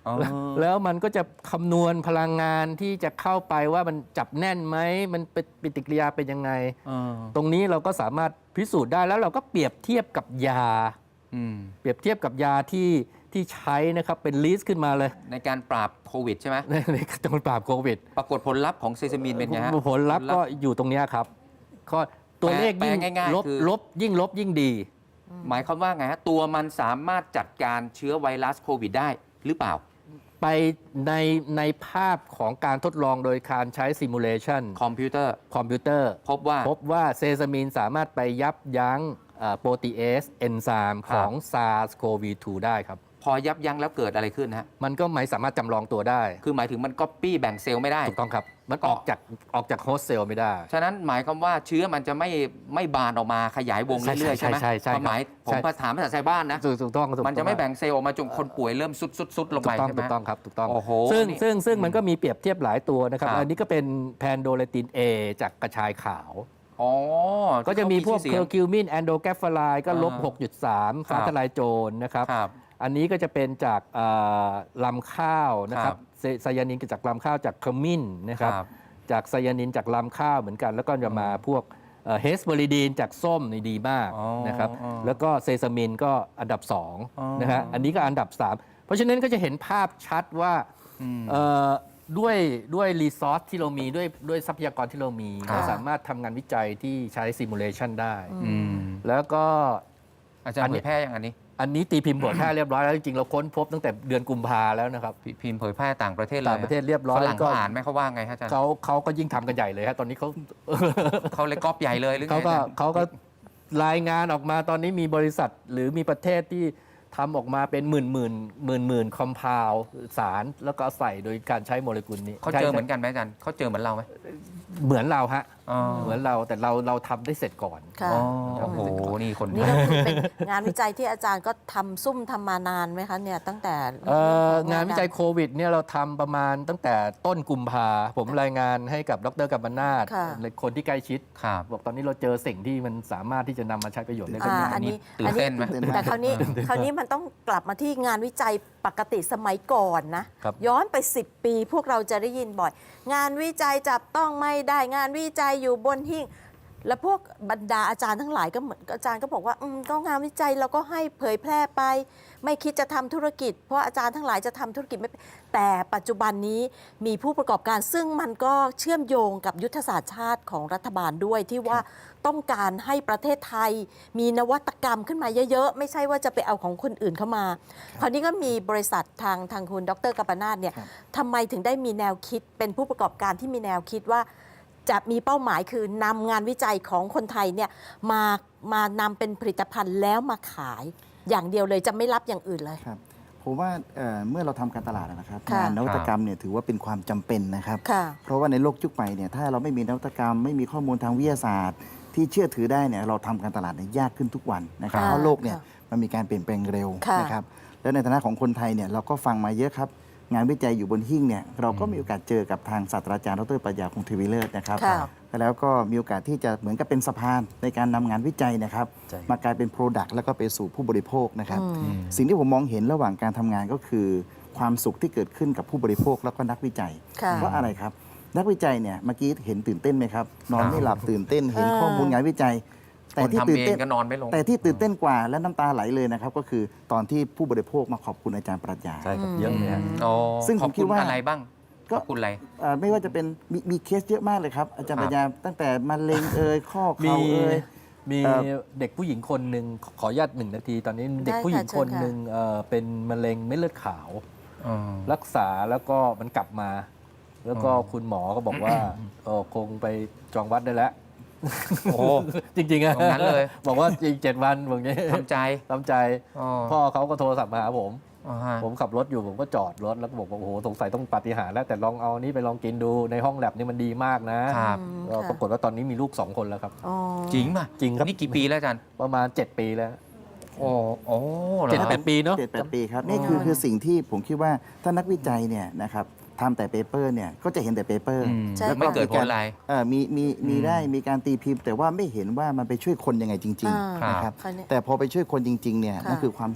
[SPEAKER 3] อ๋อ
[SPEAKER 4] แล้วแล้วมันก็จะคำนวณพลังงานที่จะเข้าไปว่ามันจับแน่นไหมมันเป็นปฏิกิริยาเป็นยังไง
[SPEAKER 3] อ่า
[SPEAKER 4] ตรงนี้เราก็สามารถพิสูจน์ได้แล้วเราก็เปรียบเทียบกับยา
[SPEAKER 3] อืม
[SPEAKER 4] เปรียบเทียบกับยาที่ที่ใช้นะครับเป็นลิสต์ขึ้นมาเลย
[SPEAKER 3] ในการปราบโควิดใช่ไหม
[SPEAKER 4] ในในการปราบโควิด
[SPEAKER 3] ปรากฏผลลัพธ์ของเซซามินเป็นไงฮะ
[SPEAKER 4] ผลลัพธ์ก็อยู่ตรงเนี้ยครับก็ตัวเลขยิ่ง
[SPEAKER 3] แปลง่ายๆ
[SPEAKER 4] ลบ
[SPEAKER 3] คือ
[SPEAKER 4] ลบยิ่งลบยิ่งดี
[SPEAKER 3] หมายความว่าไงฮะ ตัวมันสามารถจัดการเชื้อไวรัสโควิดได้หรือเปล่า
[SPEAKER 4] ไปในในภาพของการทดลองโดยการใช้ซิมูเลชัน
[SPEAKER 3] คอมพิวเตอร์
[SPEAKER 4] คอมพิวเตอร์
[SPEAKER 3] พบว่า
[SPEAKER 4] พบว่าเซซามินสามารถไปยับยั้งโปรตีเอสเอนไซม์
[SPEAKER 3] ค
[SPEAKER 4] ข
[SPEAKER 3] รับ
[SPEAKER 4] อง ซาร์ส โควี ทู ได้ครับ
[SPEAKER 3] พอยับยั้งแล้วเกิดอะไรขึ้นฮะ
[SPEAKER 4] มันก็ไม่สามารถจำลองตัวได้
[SPEAKER 3] คือหมายถึงมันก๊อปปี้แบ่งเซลล์ไม่ได้
[SPEAKER 4] ถูกต้องครับ มันออกจากออกจากโฮสต์เซลล์ไม่ได้
[SPEAKER 3] ฉะนั้นหมายความว่าเชื้อมันจะไม่ไม่บานออกมาขยายวงเรื่อยๆ
[SPEAKER 4] ใช่
[SPEAKER 3] ใช่ไหม
[SPEAKER 4] ใช่ใช่ใช่
[SPEAKER 3] ความหมาย
[SPEAKER 4] ใช่
[SPEAKER 3] ผมภาษาภาษาชาวบ้านนะ
[SPEAKER 4] ถูกถูกต้องถูกต้อง
[SPEAKER 3] มันจะไม่แบ่งเซลล์ออกมาจนคนป่วยเริ่มซุดซุดซุดลง
[SPEAKER 4] ถู
[SPEAKER 3] ไป
[SPEAKER 4] กต้อง
[SPEAKER 3] ใช่ไหม
[SPEAKER 4] ถูกต้องครับถูกต้อง
[SPEAKER 3] โอ้โห
[SPEAKER 4] ซึ่ง
[SPEAKER 3] นี่
[SPEAKER 4] ซึ่งซึ่งมันก็มีเปรียบเทียบหลายตัวนะครับ
[SPEAKER 3] ครับ
[SPEAKER 4] อันนี้ก็เป็นแพนโดเลติน A จากกระชายขาว
[SPEAKER 3] อ๋อ
[SPEAKER 4] ก็จะมีพวก
[SPEAKER 3] ที่
[SPEAKER 4] เคอ
[SPEAKER 3] ขา
[SPEAKER 4] ร์คิวมินแอนโดแกฟฟลายก็ลบ
[SPEAKER 3] อ่า
[SPEAKER 4] หกจุดสาม
[SPEAKER 3] ครั
[SPEAKER 4] ฟ้า
[SPEAKER 3] บ
[SPEAKER 4] ทลายโจรนะครับ
[SPEAKER 3] ครับ
[SPEAKER 4] อันนี้ก็จะเป็นจากเอ่อลำข้าวนะค
[SPEAKER 3] ครั
[SPEAKER 4] รับบ ไซไซยานินจากลำข้าวจากขมิ้นนะครับ
[SPEAKER 3] ครับ
[SPEAKER 4] จากไซยานินจากลำข้าวเหมือนกัน แล้วก็จะมาพวกเฮสเบอริดีนจากส้มนี่ดีมาก
[SPEAKER 3] อ๋อ
[SPEAKER 4] นะครับ
[SPEAKER 3] อ๋อ
[SPEAKER 4] แล้วก็เซซามินก็อันดับสอง
[SPEAKER 3] อ๋อ
[SPEAKER 4] นะฮะอันนี้ก็อันดับสามเพราะฉะนั้นก็จะเห็นภาพชัดว่า
[SPEAKER 3] อืม
[SPEAKER 4] เอ่อด้วยด้วยรีซอสที่เรามีด้วยด้วยทรัพยากรที่เรามี
[SPEAKER 3] ครับ
[SPEAKER 4] เราสามารถทำงานวิจัยที่ใช้ซิมูเลชันได้
[SPEAKER 3] อืม
[SPEAKER 4] แล้วก็
[SPEAKER 3] อาจาร
[SPEAKER 4] อั
[SPEAKER 3] ย์
[SPEAKER 4] นนี้
[SPEAKER 3] เผยแพร่อย่างอันนี้
[SPEAKER 4] อันนี้ตีพิมพ์บทแพร่เรียบร้อยแล้วจริงๆเราค้นพบตั้งแต่เดือนกุมภาแล้วนะครับ
[SPEAKER 3] พิพิมพ์เผยแพร่ต่างประเทศเลย
[SPEAKER 4] ต่างประเทศเรียบร้อย
[SPEAKER 3] ฝรั่ง
[SPEAKER 4] ก็
[SPEAKER 3] เขาอ่านไหมเขาว่าไงฮะอาจารย์
[SPEAKER 4] เขาเขาก็ยิ่งทำกันใหญ่เลยฮะตอนนี้เขา
[SPEAKER 3] เขาเลยก๊อปใหญ่เลยหรือไง
[SPEAKER 4] เขาก็
[SPEAKER 3] อาจารย์
[SPEAKER 4] เขาก็รายงานออกมาตอนนี้มีบริษัทหรือมีประเทศที่ทำออกมาเป็นหมื่นหมื่นหมื่นหมื่นคอมเพลสาร แล้วก็ใส่โดยการใช้โมเลกุลนี้
[SPEAKER 3] เขาเจอเหมือนกันไหมอาจารย์เขาเจอเหมือนเราไหม
[SPEAKER 4] เหมือนเราฮะ
[SPEAKER 3] อ๋อ
[SPEAKER 4] เหมือนเราแต่เราเราทำได้เสร็จก่อน
[SPEAKER 2] ค่ะ
[SPEAKER 3] อ๋อโอ้โห นี่คน
[SPEAKER 2] นี่ก็คือเป็นงานวิจัยที่อาจารย์ก็ทำซุ่มทำมานานไหมคะเนี่ยตั้งแต่
[SPEAKER 4] เอ่องานวิจัยโควิดเนี่ยเราทำประมาณตั้งแต่ต้นกุมภาผมรายงานให้กับดรกัมปนาท
[SPEAKER 2] ค่ะ
[SPEAKER 4] คนที่ใกล้ชิด
[SPEAKER 3] ครับ
[SPEAKER 4] บอกตอนนี้เราเจอสิ่งที่มันสามารถที่จะนำมาใช้ประโยชน์ได้
[SPEAKER 2] อ่า
[SPEAKER 4] ขึ้น
[SPEAKER 2] อันนี้
[SPEAKER 3] ตื่นเต้นไหม
[SPEAKER 2] แต่คราวนี้คราวนี้มันต้องกลับมาที่งานวิจัยปกติสมัยก่อนนะ
[SPEAKER 4] ครับ
[SPEAKER 2] ย้อนไป สิบ ปีพวกเราจะได้ยินบ่อย งานวิจัยจับต้องไม่ได้งานวิจัยอยู่บนหิ้งแล้วพวกบรรดาอาจารย์ทั้งหลายก็เหมือนอาจารย์ก็บอกว่าอืมก็งานวิจัยเราก็ให้เผยแพร่ไป ไม่คิดจะทำธุรกิจ เพราะอาจารย์ทั้งหลายจะทำธุรกิจไม่เป็นแต่ปัจจุบันนี้มีผู้ประกอบการซึ่งมันก็เชื่อมโยงกับยุทธศาสตร์ชาติของรัฐบาลด้วยที่ว่าต้องการให้ประเทศไทย มีนวัตกรรมขึ้นมาเยอะๆ ไม่ใช่ว่าจะไปเอาของคนอื่นเข้ามา คราวนี้ก็มีบริษัททางทางคุณดรกัปปนาทเนี่ยทำไมถึงได้มีแนวคิดเป็นผู้ประกอบการที่มีแนวคิดว่า จะมีเป้าหมายคือนำงานวิจัยของคนไทยเนี่ยมามานำเป็นผลิตภัณฑ์แล้วมาขาย อย่างเดียวเลยจะไม่รับอย่างอื่นเลย
[SPEAKER 5] ครับผมว่าเอ่อเมื่อเราทำการตลาดนะครับ
[SPEAKER 2] ค่ะ
[SPEAKER 5] งานนวัตกรรมเนี่ยถือว่าเป็นความจำเป็นนะครับ
[SPEAKER 2] ค่ะ
[SPEAKER 5] เพราะว่าในโลกยุคใหม่เนี่ยถ้าเราไม่มีนวัตกรรม ไม่มีข้อมูลทางวิทยาศาสตร์ ที่เชื่อถือได้เนี่ยเราทำการตลาดเนี่ยยากขึ้นทุกวันนะครับ
[SPEAKER 2] ค่ะ
[SPEAKER 5] เพราะโลกเนี่ย
[SPEAKER 2] ค่ะ
[SPEAKER 5] มันมีการเปลี่ยนแปลงเร็ว
[SPEAKER 2] ค่ะ
[SPEAKER 5] นะครับแล้วในฐานะของคนไทยเนี่ยเราก็ฟังมาเยอะครับ งานวิจัยอยู่บนหิ้งเนี่ยเราก็มีโอกาสเจอกับทางศาสตราจารย์ดรปรัชญาคงทวีเลิศนะครับ
[SPEAKER 2] ค่ะ
[SPEAKER 5] แล้วก็มีโอกาสที่จะเหมือนกับเป็นสะพานในการนำงานวิจัยนะครับ
[SPEAKER 4] ใช่
[SPEAKER 5] มากลายเป็น Product แล้วก็ไปสู่ผู้บริโภคนะครับ
[SPEAKER 2] อืม
[SPEAKER 5] สิ่งที่ผมมองเห็นระหว่างการทำงานก็คือ ความสุขที่เกิดขึ้นกับผู้บริโภคแล้วก็นักวิจัย
[SPEAKER 2] ค่ะ
[SPEAKER 5] เพราะอะไรครับ นักวิจัยเนี่ยเมื่อกี้เห็นตื่นเต้นไหมครับ นอนไม่หลับตื่นเต้นเห็น
[SPEAKER 2] เออ
[SPEAKER 5] ข้อมูลงานวิจัย แต่
[SPEAKER 3] คน
[SPEAKER 5] ที่
[SPEAKER 3] ทำ
[SPEAKER 5] ตื่น
[SPEAKER 3] เอง
[SPEAKER 5] เต้น
[SPEAKER 3] ก็นอนไม่ลง
[SPEAKER 5] แต่ที่ตื่นเต้นกว่าและน้ำตาไหลเลยนะครับ ก็คือตอนที่ผู้บริโภคมาขอบคุณอาจารย์ปรัชญา
[SPEAKER 4] ใช่ครับเยอะเลยฮะ
[SPEAKER 3] อ๋อ
[SPEAKER 5] ซึ่ง
[SPEAKER 3] ข
[SPEAKER 5] ผ
[SPEAKER 3] อบ
[SPEAKER 5] มคิ
[SPEAKER 3] คุ
[SPEAKER 5] ด
[SPEAKER 3] ณ
[SPEAKER 5] ว่า
[SPEAKER 3] อะไรบ้าง
[SPEAKER 5] ก็
[SPEAKER 3] ขอบคุณอะไร
[SPEAKER 5] เอ่อไม่ว่าจะเป็นมีมีเคสเยอะมากเลยครับ อาจารย์ปรัชญาตั้งแต่มะเร็งเอ่ยข้อ
[SPEAKER 4] มี
[SPEAKER 5] เข่าเอ่ย
[SPEAKER 4] มี
[SPEAKER 5] เอ่อ
[SPEAKER 4] เด็กผู้หญิงคนหนึ่งขออนุญาตหนึ่งนาที ตอนนี้เด็ก
[SPEAKER 2] ได้
[SPEAKER 4] ผู้หญิง
[SPEAKER 2] ค่ะเชิ
[SPEAKER 4] ค
[SPEAKER 2] ญ
[SPEAKER 4] น
[SPEAKER 2] ค่ะ
[SPEAKER 4] หนึ่งเอ่อเป็นมะเร็งเม็ดเลือดขาว รักษาแล้วก็มันกลับมา แล้วก็
[SPEAKER 3] อ๋อ
[SPEAKER 4] คุณหมอก็บอกว่าเออคงไปจองวัดได้แล้ว
[SPEAKER 3] โอ้
[SPEAKER 4] จริงๆอะ
[SPEAKER 3] ตรงนั้นเลย
[SPEAKER 4] บอกว่าอีกเจ็ดวันบอกงี้
[SPEAKER 3] ทำใจ
[SPEAKER 4] ทำใจ
[SPEAKER 3] อ๋อ
[SPEAKER 4] พ่อเขาก็โทรศัพท์มาหาผม
[SPEAKER 3] อ๋อฮะ
[SPEAKER 4] ผมขับรถอยู่ผมก็จอดรถแล้วก็บอกว่าโอ้โหสงสัยต้องปาฏิหาริย์แล้วแต่ลองเอานี้ไปลองกินดูในห้องแลบนี่มันดีมากนะครับ
[SPEAKER 2] อืม
[SPEAKER 4] ก็
[SPEAKER 2] ค่ะ
[SPEAKER 4] ปรากฏว่าตอนนี้มีลูกสองคนแล้วครับ
[SPEAKER 2] อ๋อ
[SPEAKER 3] จริงป่ะ
[SPEAKER 4] จริงครับ
[SPEAKER 3] นี่กี่ปีแล้วอาจารย์
[SPEAKER 4] ประมาณ เจ็ด ปีแล้ว
[SPEAKER 3] โอ้โอ้หรอ
[SPEAKER 4] เจ็ด
[SPEAKER 3] ครับ
[SPEAKER 4] แปดปีเนาะ
[SPEAKER 5] เจ็ดแปดปีครับนี่คือคือสิ่งที่ผมคิดว่าถ้านักวิจัยเนี่ยนะครับทำแต่เปเปอร์เนี่ยก็จะเห็นแต่เปเปอร์
[SPEAKER 3] อืม
[SPEAKER 2] ใช่
[SPEAKER 3] แล้วไม่เกิดผลอะไร
[SPEAKER 5] เอ่อมีมีมี
[SPEAKER 3] อืม
[SPEAKER 5] ได้มีการตีพิมพ์ แต่ว่าไม่เห็นว่ามันไปช่วยคนยังไงจริง
[SPEAKER 2] อ่า
[SPEAKER 5] ๆนะครับ
[SPEAKER 2] คราวนี้
[SPEAKER 5] แต่พอไปช่วยคนจริงๆเนี่ย
[SPEAKER 2] ค่ะ
[SPEAKER 5] นั่นคือความสุข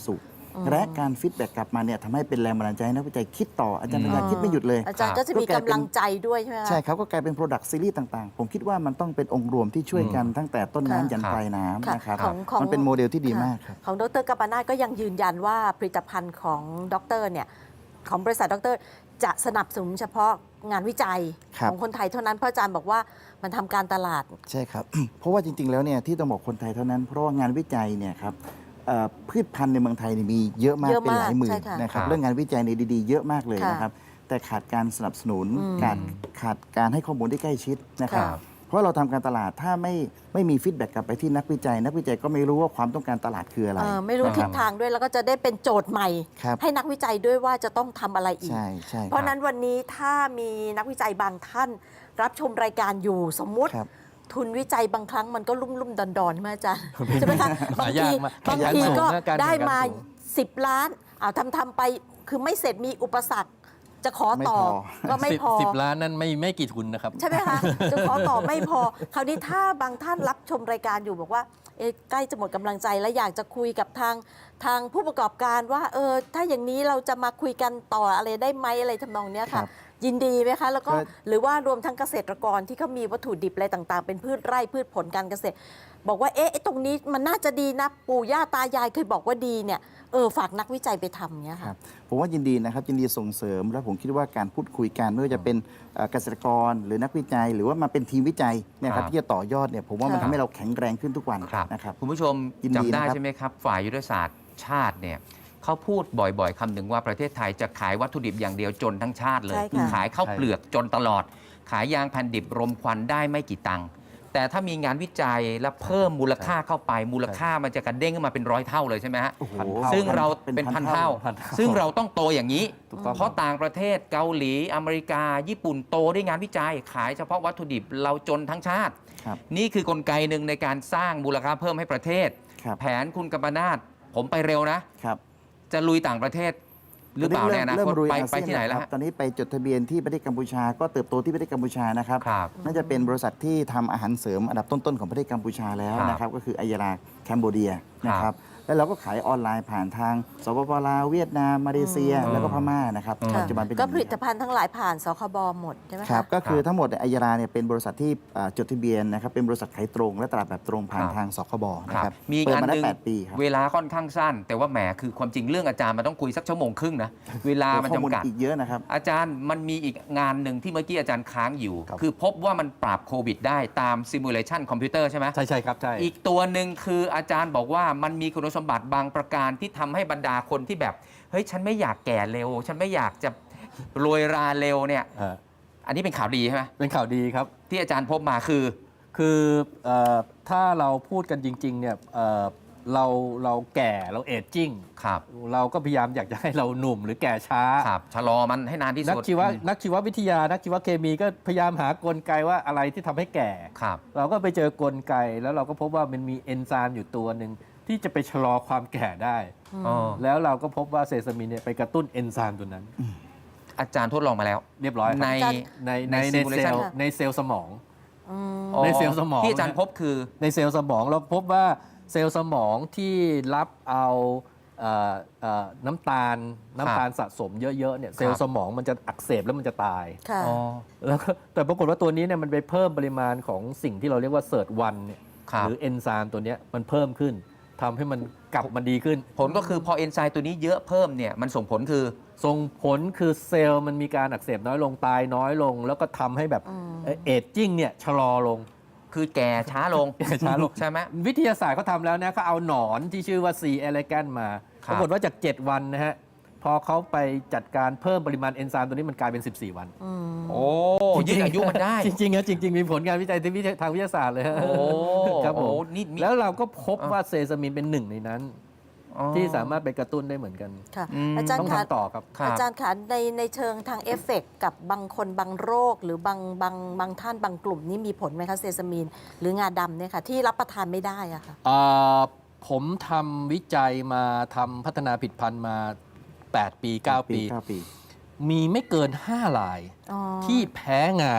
[SPEAKER 5] และการฟีดแบ็กกลับมาเนี่ยทำให้เป็นแรงบันดาลใจให้นักวิจัยคิดต่ออาจารย์ปัญญาคิดไม่หยุดเลย
[SPEAKER 2] อาจารย์ก็จะมีกำลังใจด้วยใช่ไหมคะ
[SPEAKER 5] ใช่ครับก็กลายเป็น Product Series ต่างๆ ผมคิดว่ามันต้องเป็นองค์รวมที่ช่วยกันตั้งแต่ต้นน้ำยันปลายน้ำนะครับ
[SPEAKER 2] ของของ
[SPEAKER 5] มันเป็นโมเดลที่ดีมากครับ
[SPEAKER 2] ของดรกัปปนาทก็ยังยืนยันว่าผลิตภัณฑ์ของดรเนี่ยของบริษัทดรจะสนับสนุนเฉพาะงานวิจัย
[SPEAKER 5] ครับ
[SPEAKER 2] ของคนไทยเท่านั้นเพราะอาจารย์บอกว่ามันทำการตลาด
[SPEAKER 5] ใช่ครับ เพราะว่าจริงๆ แล้วเนี่ยที่ต้องบอกคนไทยเท่านั้น เพราะว่างานวิจัยเนี่ยครับเอ่อพืชพันธุ์ในเมืองไทยเนี่ยมีเยอะมาก
[SPEAKER 2] เยอะ
[SPEAKER 5] เป็น
[SPEAKER 2] มาก
[SPEAKER 5] หลายหมื่
[SPEAKER 2] ใช่
[SPEAKER 5] น
[SPEAKER 2] ค่ะ
[SPEAKER 5] นะครับ
[SPEAKER 3] ครับ
[SPEAKER 5] เรื่องงานวิจัยในดีๆ เยอะมากเลย
[SPEAKER 2] ค่ะ
[SPEAKER 5] นะครับแต่ขาดการสนับสนุน
[SPEAKER 2] อืม
[SPEAKER 5] ขาดขาดการให้ข้อมูลที่ใกล้ชิดนะครับ
[SPEAKER 2] ค่ะ
[SPEAKER 5] เพราะเราทำการตลาดถ้าไม่ไม่มีฟีดแบ็กกลับไปที่นักวิจัย นักวิจัยก็ไม่รู้ว่าความต้องการตลาดคืออะไร
[SPEAKER 2] เออไม่รู้
[SPEAKER 5] นะค
[SPEAKER 2] ทิ
[SPEAKER 5] บ
[SPEAKER 2] ศทางด้วยแล้วก็จะได้เป็นโจทย์ใหม่
[SPEAKER 5] ครับ
[SPEAKER 2] ให้นักวิจัยด้วยว่าจะต้องทำอะไรอีก
[SPEAKER 5] ใช่ใช่
[SPEAKER 2] เพราะฉะนั้นวันนี้ถ้ามีนักวิจัยบางท่านรับชมรายการอยู่สมมุติ
[SPEAKER 5] ครับ
[SPEAKER 2] ทุนวิจัยบางครั้งมันก็ลุ่มลุ่มๆดอนดอนๆใช่ไหมอาจารย์ ใช่ไหมคะบาง
[SPEAKER 4] หายา
[SPEAKER 2] ที
[SPEAKER 4] กมาก
[SPEAKER 2] บาง
[SPEAKER 4] หายาก
[SPEAKER 2] ที
[SPEAKER 4] สูง
[SPEAKER 2] ก็
[SPEAKER 4] นะการ
[SPEAKER 2] ได้
[SPEAKER 4] แข่งขัน
[SPEAKER 2] มา
[SPEAKER 4] สูง
[SPEAKER 2] สิบล้านเอาทำทำไปคือไม่เสร็จมีอุปสรรค จะขอต่อ
[SPEAKER 5] ไม่พอ
[SPEAKER 2] ก็ไม่
[SPEAKER 4] สิบ
[SPEAKER 2] พอ
[SPEAKER 4] สิบล้านนั้นไม่ไม่กี่ทุนนะครับ
[SPEAKER 2] ใช่ไหมคะ จะขอต่อไม่พอ คราวนี้ถ้าบางท่านรับชมรายการอยู่บอกว่าเอ๊ะใกล้จะหมดกำลังใจและอยากจะคุยกับทางทางผู้ประกอบการว่าเออถ้าอย่างนี้เราจะมาคุยกันต่ออะไรได้ไหมอะไรทำนองเนี้ย
[SPEAKER 5] ค
[SPEAKER 2] ค่ะ
[SPEAKER 5] รับ
[SPEAKER 2] ยินดีไหมคะ แล้วก็
[SPEAKER 5] ก็
[SPEAKER 2] หรือว่ารวมทั้งเกษตรกรที่เขามีวัตถุดิบอะไรต่างๆ เป็นพืชไร่พืชผลการเกษตร บอกว่าเอ๊ะไอ้ตรงนี้มันน่าจะดีนะปู่ย่าตายายเคยบอกว่าดีเนี่ยเออฝากนักวิจัยไปทำเนี้ย
[SPEAKER 5] ครั
[SPEAKER 2] ค่ะ
[SPEAKER 5] บผมว่ายินดีนะครับยินดีส่งเสริม แล้วผมคิดว่าการพูดคุยกันไม่ว่าจะเป็นเอ่อเกษตรกรหรือนักวิจัย หรือว่ามาเป็นทีมวิจัยเนยค
[SPEAKER 3] ครั
[SPEAKER 5] รับบ ที่จะต่อยอดเนี่ยผมว่ามัน
[SPEAKER 2] ค่ะ
[SPEAKER 5] ทำให้เราแข็งแรงขึ้นทุกวัน
[SPEAKER 3] ครับ
[SPEAKER 5] นะครับ
[SPEAKER 3] คุณผู้ชม
[SPEAKER 5] ยินดี
[SPEAKER 3] จำได้
[SPEAKER 5] นะครับ
[SPEAKER 3] ใช่ไหมครับ ฝ่ายยุทธศาสตร์ชาติเนี่ยเขาพูดบ่อยๆคำหนึ่งว่าประเทศไทยจะขายวัตถุดิบอย่างเดียวจนทั้งชาติเลย
[SPEAKER 2] ใช่ค่ะ
[SPEAKER 3] คือขายข้าวเปลือกจนตลอด ขายยางแผ่นดิบรมควันได้ไม่กี่ตังค์แต่ถ้ามีงานวิจัยและเพิ่มมูลค่าเข้าไป มูลค่ามันจะกระเด้งขึ้นมาเป็นร้อยเท่าเลยใช่ไหมฮะ
[SPEAKER 5] โอ้โห
[SPEAKER 3] ซึ่งเรา
[SPEAKER 5] เป็น
[SPEAKER 3] เป็น
[SPEAKER 5] พั
[SPEAKER 3] พั
[SPEAKER 5] น
[SPEAKER 3] น
[SPEAKER 5] เท่า
[SPEAKER 3] เท่า
[SPEAKER 4] พันเท่า
[SPEAKER 3] ซึ่งเราต้องโตอย่างนี้
[SPEAKER 4] ถูกต้อง
[SPEAKER 3] เพราะต่างประเทศเกาหลีอเมริกา ญี่ปุ่นโตด้วยงานวิจัย ขายเฉพาะวัตถุดิบเราจนทั้งชาติ
[SPEAKER 5] ครับ
[SPEAKER 3] นี่คือกลไกหนึ่งในการสร้างมูลค่าเพิ่มให้ประเทศ
[SPEAKER 5] ครับ
[SPEAKER 3] แผนคุณกัมปนาทผมไปเร็วนะ
[SPEAKER 5] ครับ
[SPEAKER 3] จะลุยต่างประเทศ หรือเปล่าในอนา
[SPEAKER 5] เริ่
[SPEAKER 3] ค
[SPEAKER 5] ม
[SPEAKER 3] ต
[SPEAKER 5] รุย
[SPEAKER 3] ไป
[SPEAKER 5] อา
[SPEAKER 3] ไป
[SPEAKER 5] เซียน
[SPEAKER 3] ที่ไหนแล้ว
[SPEAKER 5] ครั
[SPEAKER 3] ฮะ
[SPEAKER 5] บตอนนี้ไปจดทะเบียนที่ประเทศกัมพูชา ก็เติบโตที่ประเทศกัมพูชานะครับ
[SPEAKER 3] ครับ
[SPEAKER 5] น่าจะเป็นบริษัทที่ทำอาหารเสริมอันดับต้นๆของประเทศกัมพูชาแล้ว
[SPEAKER 3] ครับ
[SPEAKER 5] นะครับก็คืออัยราแคนโบเดียนะค
[SPEAKER 3] ครั
[SPEAKER 5] รับบ แล้วเราก็ขายออนไลน์ผ่านทางสปปลาวเวียดนามมาเลเซีย
[SPEAKER 3] อืม
[SPEAKER 5] แล้วก็พม่านะครับ
[SPEAKER 3] อืม
[SPEAKER 5] ปัจจุบันเป็นอ
[SPEAKER 2] ก็
[SPEAKER 5] ย่าง
[SPEAKER 2] ผลิ
[SPEAKER 5] นี้
[SPEAKER 2] ต
[SPEAKER 5] ครับ
[SPEAKER 2] ภัณฑ์ทั้งหลายผ่านสคบหมดใช่ไหม
[SPEAKER 5] ครั
[SPEAKER 2] คะ
[SPEAKER 5] บก็คือ
[SPEAKER 3] ครับ
[SPEAKER 5] ทั้งหมดเนี่ยอัยราเนี่ยเป็นบริษัทที่อ่าจดทะเบียนนะครับเป็นบริษัทขายตรงและตลาดแบบตรงผ่าน
[SPEAKER 3] ครับ
[SPEAKER 5] ทางสคบนะ
[SPEAKER 3] ค
[SPEAKER 5] ค
[SPEAKER 3] รั
[SPEAKER 5] รั
[SPEAKER 3] บบ มี
[SPEAKER 5] เปิด
[SPEAKER 3] งาน
[SPEAKER 5] มา
[SPEAKER 3] ห
[SPEAKER 5] ได้
[SPEAKER 3] นึ่ง
[SPEAKER 5] แปดปีครับ
[SPEAKER 3] เวลาค่อนข้างสั้น แต่ว่าแหมคือความจริงเรื่องอาจารย์มันต้องคุยสักชั่วโมงครึ่งนะ เวลามัน
[SPEAKER 5] ข้อมูล
[SPEAKER 3] จำกัด
[SPEAKER 5] อีกเยอะนะครับ
[SPEAKER 3] อาจารย์มันมีอีกงานหนึ่งที่เมื่อกี้อาจารย์ค้างอยู่
[SPEAKER 4] ครับ
[SPEAKER 3] คือพบว่ามันปราบโควิดได้ตามซิมูเลชันคอมพิวเตอร์ใช่ไหม
[SPEAKER 4] ใช่ใช่ครับใช่
[SPEAKER 3] อีกตัวหนึ่งคืออาจารย์บอกว่ามันมีคุณสมบัติบางประการที่ทำให้บรรดาคนที่แบบเฮ้ยฉันไม่อยากแก่เร็ว ฉันไม่อยากจะโรยราเร็วเนี่ย
[SPEAKER 4] เออ
[SPEAKER 3] อันนี้เป็นข่าวดีใช่ไหม
[SPEAKER 4] เป็นข่าวดีครับ
[SPEAKER 3] ที่อาจารย์พบมาคือ
[SPEAKER 4] คือเออถ้าเราพูดกันจริงๆเนี่ยเอ่อเราเราแก่เราเอจจิ้ง
[SPEAKER 3] ครับ
[SPEAKER 4] เราก็พยายามอยากจะให้เราหนุ่มหรือแก่ช้า
[SPEAKER 3] ครับชะลอมันให้นานที่
[SPEAKER 4] นัก
[SPEAKER 3] สุด
[SPEAKER 4] ชีวะ
[SPEAKER 3] อืม
[SPEAKER 4] นักชีววิทยา นักชีวเคมีก็พยายามหากลไกว่าอะไรที่ทำให้แก่
[SPEAKER 3] ครับ
[SPEAKER 4] เราก็ไปเจอกลไกแล้วเราก็พบว่ามันมีเอนไซม์อยู่ตัวหนึ่งที่จะไปชะลอความแก่ได้
[SPEAKER 3] อ๋อ
[SPEAKER 4] แล้วเราก็พบว่าเซซามินเนี่ยไปกระตุ้นเอนไซม์ตัวนั้น
[SPEAKER 3] อาจารย์ทดลองมาแล้ว
[SPEAKER 4] เรียบร้อยครับ
[SPEAKER 3] ใน
[SPEAKER 4] ใน
[SPEAKER 3] ใน
[SPEAKER 4] ในในเซ
[SPEAKER 3] simulation
[SPEAKER 4] ลล์ในเซลล์สมอง
[SPEAKER 2] อืม
[SPEAKER 3] อ๋อ
[SPEAKER 4] ในเซลล์สมอง
[SPEAKER 3] ที่อาจารย์
[SPEAKER 4] นะ
[SPEAKER 3] พบคือ
[SPEAKER 4] ในเซลล์สมองเราพบว่าเซลล์สมองที่รับเอาเอ่อเอ่อน้ำตาลน้ำตาลสะสมเยอะๆเนี่ยเซล
[SPEAKER 3] ครั
[SPEAKER 4] ล์
[SPEAKER 3] บ
[SPEAKER 4] สมองมันจะอักเสบแล้วมันจะตาย
[SPEAKER 2] ค่ะ
[SPEAKER 3] อ๋อ
[SPEAKER 4] แล้วก็แต่ปรากฏว่าตัวนี้เนี่ยมันไปเพิ่มปริมาณของสิ่งที่เราเรียกว่าเซิร์ตวันเนี่ย
[SPEAKER 3] ครับ
[SPEAKER 4] หรือเอนไซม์ตัวเนี้ยมันเพิ่มขึ้นทำให้มันกลับมาดีขึ้น
[SPEAKER 3] ผลก็คือพอเอนไซม์ตัวนี้เยอะเพิ่มเนี่ยมันส่งผลคือ
[SPEAKER 4] ส่งผลคือเซลล์มันมีการอักเสบน้อยลงตายน้อยลง แล้วก็ทำให้แบบ
[SPEAKER 2] อืม
[SPEAKER 4] เอจจิ้งเนี่ยชะลอลง
[SPEAKER 3] คือแก่ช้าลง
[SPEAKER 4] แก่ช้าลง
[SPEAKER 3] ใช่ไหม
[SPEAKER 4] วิทยาศาสตร์เขาทำแล้วนะเขาเอาหนอนที่ชื่อว่า C. elegans มา
[SPEAKER 3] ครับ
[SPEAKER 4] ปรากฏว่าจาก เจ็ด วันนะฮะ พอเขาไปจัดการเพิ่มปริมาณเอนไซม์ตัวนี้มันกลายเป็น สิบสี่ วัน
[SPEAKER 2] อืม
[SPEAKER 3] โอ้ยืดอายุมันได้
[SPEAKER 4] จริงๆนะจริง ๆ มีผลงานวิจัยทางวิทยาศาสตร์เลยฮะ
[SPEAKER 3] โอ้
[SPEAKER 4] ครับผม
[SPEAKER 3] โอ้นี่มี
[SPEAKER 4] แล้วเราก็พบ
[SPEAKER 3] อ่ะ
[SPEAKER 4] ว่าเซซามินเป็นหนึ่งในนั้น
[SPEAKER 3] อ๋อ
[SPEAKER 4] ที่สามารถไปกระตุ้นได้เหมือนกัน
[SPEAKER 2] ค่ะ
[SPEAKER 3] อืม
[SPEAKER 2] อาจาร
[SPEAKER 4] ต้อ
[SPEAKER 2] ย์
[SPEAKER 4] ง
[SPEAKER 2] คะ
[SPEAKER 4] ทำต่อครับ
[SPEAKER 3] ครับ
[SPEAKER 2] อาจารย์คะในในเชิงทางเอฟเฟกต์กับบางคนบางโรค หรือบางบางบางท่านบางกลุ่มนี่มีผลไหมคะเซซามีน หรืองาดำเนี่ยค่ะที่รับประทานไม่ได้อะค่ะ
[SPEAKER 4] เอ่อผมทำวิจัยมาทำพัฒนาผลิตภัณฑ์มา แปด ปี เก้า ปี
[SPEAKER 5] เก้าปี
[SPEAKER 4] มีไม่เกิน ห้า ราย
[SPEAKER 2] อ๋อ
[SPEAKER 4] ที่แพ้งา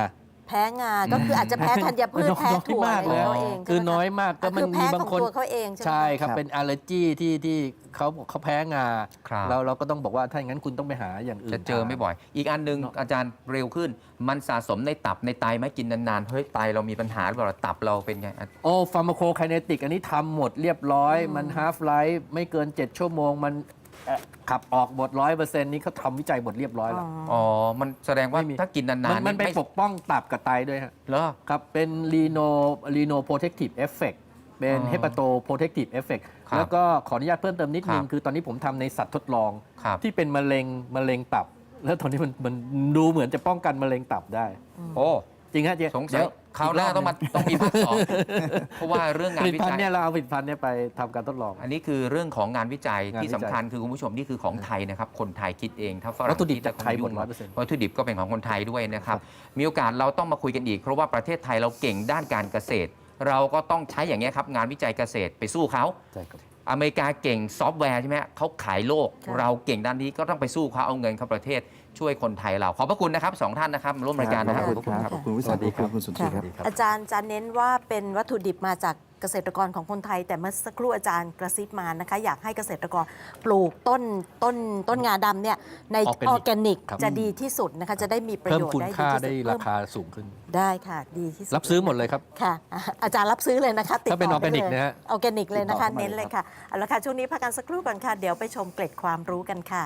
[SPEAKER 2] แพ้งา ก็คืออาจจะแพ้ธัญพืชแพ้ถั่ว
[SPEAKER 4] น้อยมาก
[SPEAKER 2] อะไร
[SPEAKER 4] เลย
[SPEAKER 2] เขาเอง
[SPEAKER 4] คือ
[SPEAKER 2] ใช่ไหม
[SPEAKER 4] น้อยมากก็
[SPEAKER 2] ก็
[SPEAKER 4] มัน
[SPEAKER 2] คือ
[SPEAKER 4] มี
[SPEAKER 2] แพ้
[SPEAKER 4] บาง
[SPEAKER 2] ของ
[SPEAKER 4] คน
[SPEAKER 2] ตัวเขาเองใช่ไหม
[SPEAKER 4] ใช่ครับ
[SPEAKER 5] ครับ
[SPEAKER 4] เป็นอ l ลเลอร์จีที่ที่เขาเขาแพ้งา
[SPEAKER 3] ครับ
[SPEAKER 4] แล้วเราก็ต้องบอกว่าถ้าอย่างนั้นคุณต้องไปหาอย่างอื่น
[SPEAKER 3] จะเจอไม่บ่อย อีกอันหนึง
[SPEAKER 4] เนอะ
[SPEAKER 3] อาจารย์เร็วขึ้น มันสะสมในตับในไตไหมกินนานๆ เฮ้ยไตเรามีปัญหาหรือเปล่าตับเราเป็นไงอ่ะ
[SPEAKER 4] โอ้ฟาร์มาโคไคเนติกอันนี้ทำหมดเรียบร้อย มันฮาฟไลฟ์ไม่เกิน เจ็ด ชั่วโมง มันเอ่อขับออกหมดร้อยเปอร์เซ็นต์นี้เขาทำวิจัยหมดเรียบร้อยแล้ว
[SPEAKER 3] อ๋อ มันแสดงว่า
[SPEAKER 4] ไม่มี
[SPEAKER 3] ถ้ากินนาน
[SPEAKER 4] มัน
[SPEAKER 3] ๆ
[SPEAKER 4] มันไป
[SPEAKER 3] ไม่
[SPEAKER 4] ปกป้องตับกับไตด้วยฮะ
[SPEAKER 3] เหรอ
[SPEAKER 4] ครับเป็นรีโนรีโนโปรเทคทีฟเอฟเฟกเป็น
[SPEAKER 3] อ๋อ
[SPEAKER 4] เฮปาโตโปรเทคทีฟเอฟเฟก
[SPEAKER 3] ครับ
[SPEAKER 4] แล้วก็ขออนุญาตเพิ่มเติมนิดนึง
[SPEAKER 3] ครับ
[SPEAKER 4] คือตอนนี้ผมทำในสัตว์ทดลอง
[SPEAKER 3] ครับ
[SPEAKER 4] ที่เป็นมะเร็งมะเร็งตับ แล้วตอนนี้มันมันดูเหมือนจะป้องกันมะเร็งตับได้
[SPEAKER 3] โอ้
[SPEAKER 4] จริงฮะเจ๊
[SPEAKER 3] สงสัย
[SPEAKER 4] เดี๋ยว
[SPEAKER 3] คราวหน้าต้องมาต้องมีภาคสองเพราะว่าเรื่อง
[SPEAKER 4] ผ
[SPEAKER 3] งาน
[SPEAKER 4] ลิต
[SPEAKER 3] วิ
[SPEAKER 4] ภัณ
[SPEAKER 3] จั
[SPEAKER 4] ฑ์
[SPEAKER 3] ย
[SPEAKER 4] เนี่ยเราเอาผลิตภัณฑ์เนี่ยไปทำการทดลอง
[SPEAKER 3] อันนี้คือเรื่องของงานวิจัย
[SPEAKER 4] งานวิจัย
[SPEAKER 3] ที่สำคัญคือคุณผู้ชมนี่คือของไทยนะครับ คนไทยคิดเองถ้าฝรั่ง
[SPEAKER 4] วัตถุดิบ
[SPEAKER 3] คิ
[SPEAKER 4] จากไทยหมด
[SPEAKER 3] ง
[SPEAKER 4] ร้อยเปอร์เซ็นต์
[SPEAKER 3] วัตถุดิบก็เป็นของคนไทยด้วยนะครับ มีโอกาสเราต้องมาคุยกันอีก เพราะว่าประเทศไทยเราเก่งด้านการเกษตร เราก็ต้องใช้อย่างเงี้ยครับงานวิจัยเกษตรไปสู้เขา
[SPEAKER 4] ใช่ครับ
[SPEAKER 3] อเมริกาเก่งซอฟต์แวร์ใช่ไหมฮะเขาขายโลก
[SPEAKER 2] ค่ะ
[SPEAKER 3] เราเก่งด้านนี้ก็ต้องไปสู้เขาเอาเงินเข้าประเทศช่วยคนไทยเราขอบพระคุณนะครับสองท่านนะครับมาร่วมรายการนะค
[SPEAKER 5] ข
[SPEAKER 3] รั
[SPEAKER 5] อ
[SPEAKER 3] บบ
[SPEAKER 5] คุณครับขอบคุณวิสา
[SPEAKER 4] สวัสดี
[SPEAKER 5] ขอบคุณ
[SPEAKER 4] ครับ
[SPEAKER 5] คุณสุนทรีครับ
[SPEAKER 2] ค่ะอาจารย์จะเน้นว่าเป็นวัตถุดิบมาจากเกษตรกรของคนไทย แต่เมื่อสักครู่อาจารย์กระซิบมานะคะ อยากให้เกษตรกรปลูกต้นต้นต้นงาดำเนี่ยในอ
[SPEAKER 4] Organic
[SPEAKER 2] อร์แกนิก
[SPEAKER 4] ครับ
[SPEAKER 2] จะดีที่สุดนะคะ จะได้มีประ
[SPEAKER 4] เพิ่ม
[SPEAKER 2] โยชน์
[SPEAKER 4] คุณ
[SPEAKER 2] ได้ดี
[SPEAKER 4] ค่า
[SPEAKER 2] ที่
[SPEAKER 4] ได้
[SPEAKER 2] สุด
[SPEAKER 4] รา
[SPEAKER 2] เพิ่ม
[SPEAKER 4] คาสูงขึ้น
[SPEAKER 2] ได้ค่ะ ดีที่สุด
[SPEAKER 4] รับซื้อหมดเลยครับ
[SPEAKER 2] ค่ะอ่ะอาจารย์รับซื้อเลยนะคะติด
[SPEAKER 4] ถ้าเป็น
[SPEAKER 2] ต่
[SPEAKER 4] ออร์แกนิก
[SPEAKER 2] ได้เลย
[SPEAKER 4] นะฮะ
[SPEAKER 2] ออร์แกนิกเลยนะคะ
[SPEAKER 5] ติดต่อเข้ามา
[SPEAKER 2] เน้นเลยค่ะเอาละค่ะช่วงนี้พักกันสักครู่ก่อนค่ะ เดี๋ยวไปชมเกร็ดความรู้กันค่ะ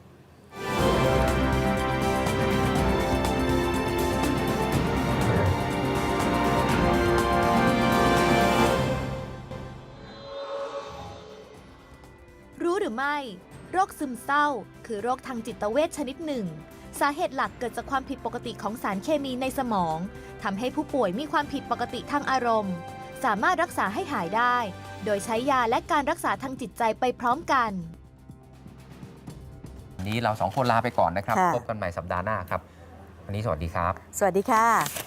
[SPEAKER 1] รู้หรือไม่ โรคซึมเศร้า คือโรคทางจิตเวชชนิดหนึ่ง สาเหตุหลักเกิดจากความผิดปกติของสารเคมีในสมองทำให้ผู้ป่วยมีความผิดปกติทางอารมณ์ สามารถรักษาให้หายได้ โดยใช้ยาและการรักษาทางจิตใจไปพร้อมกัน
[SPEAKER 3] วันนี้เราสองคนลาไปก่อนนะครับ
[SPEAKER 2] ค่ะ
[SPEAKER 3] พบกันใหม่สัปดาห์หน้าครับวันนี้สวัสดีครับ
[SPEAKER 2] สวัสดีค่ะ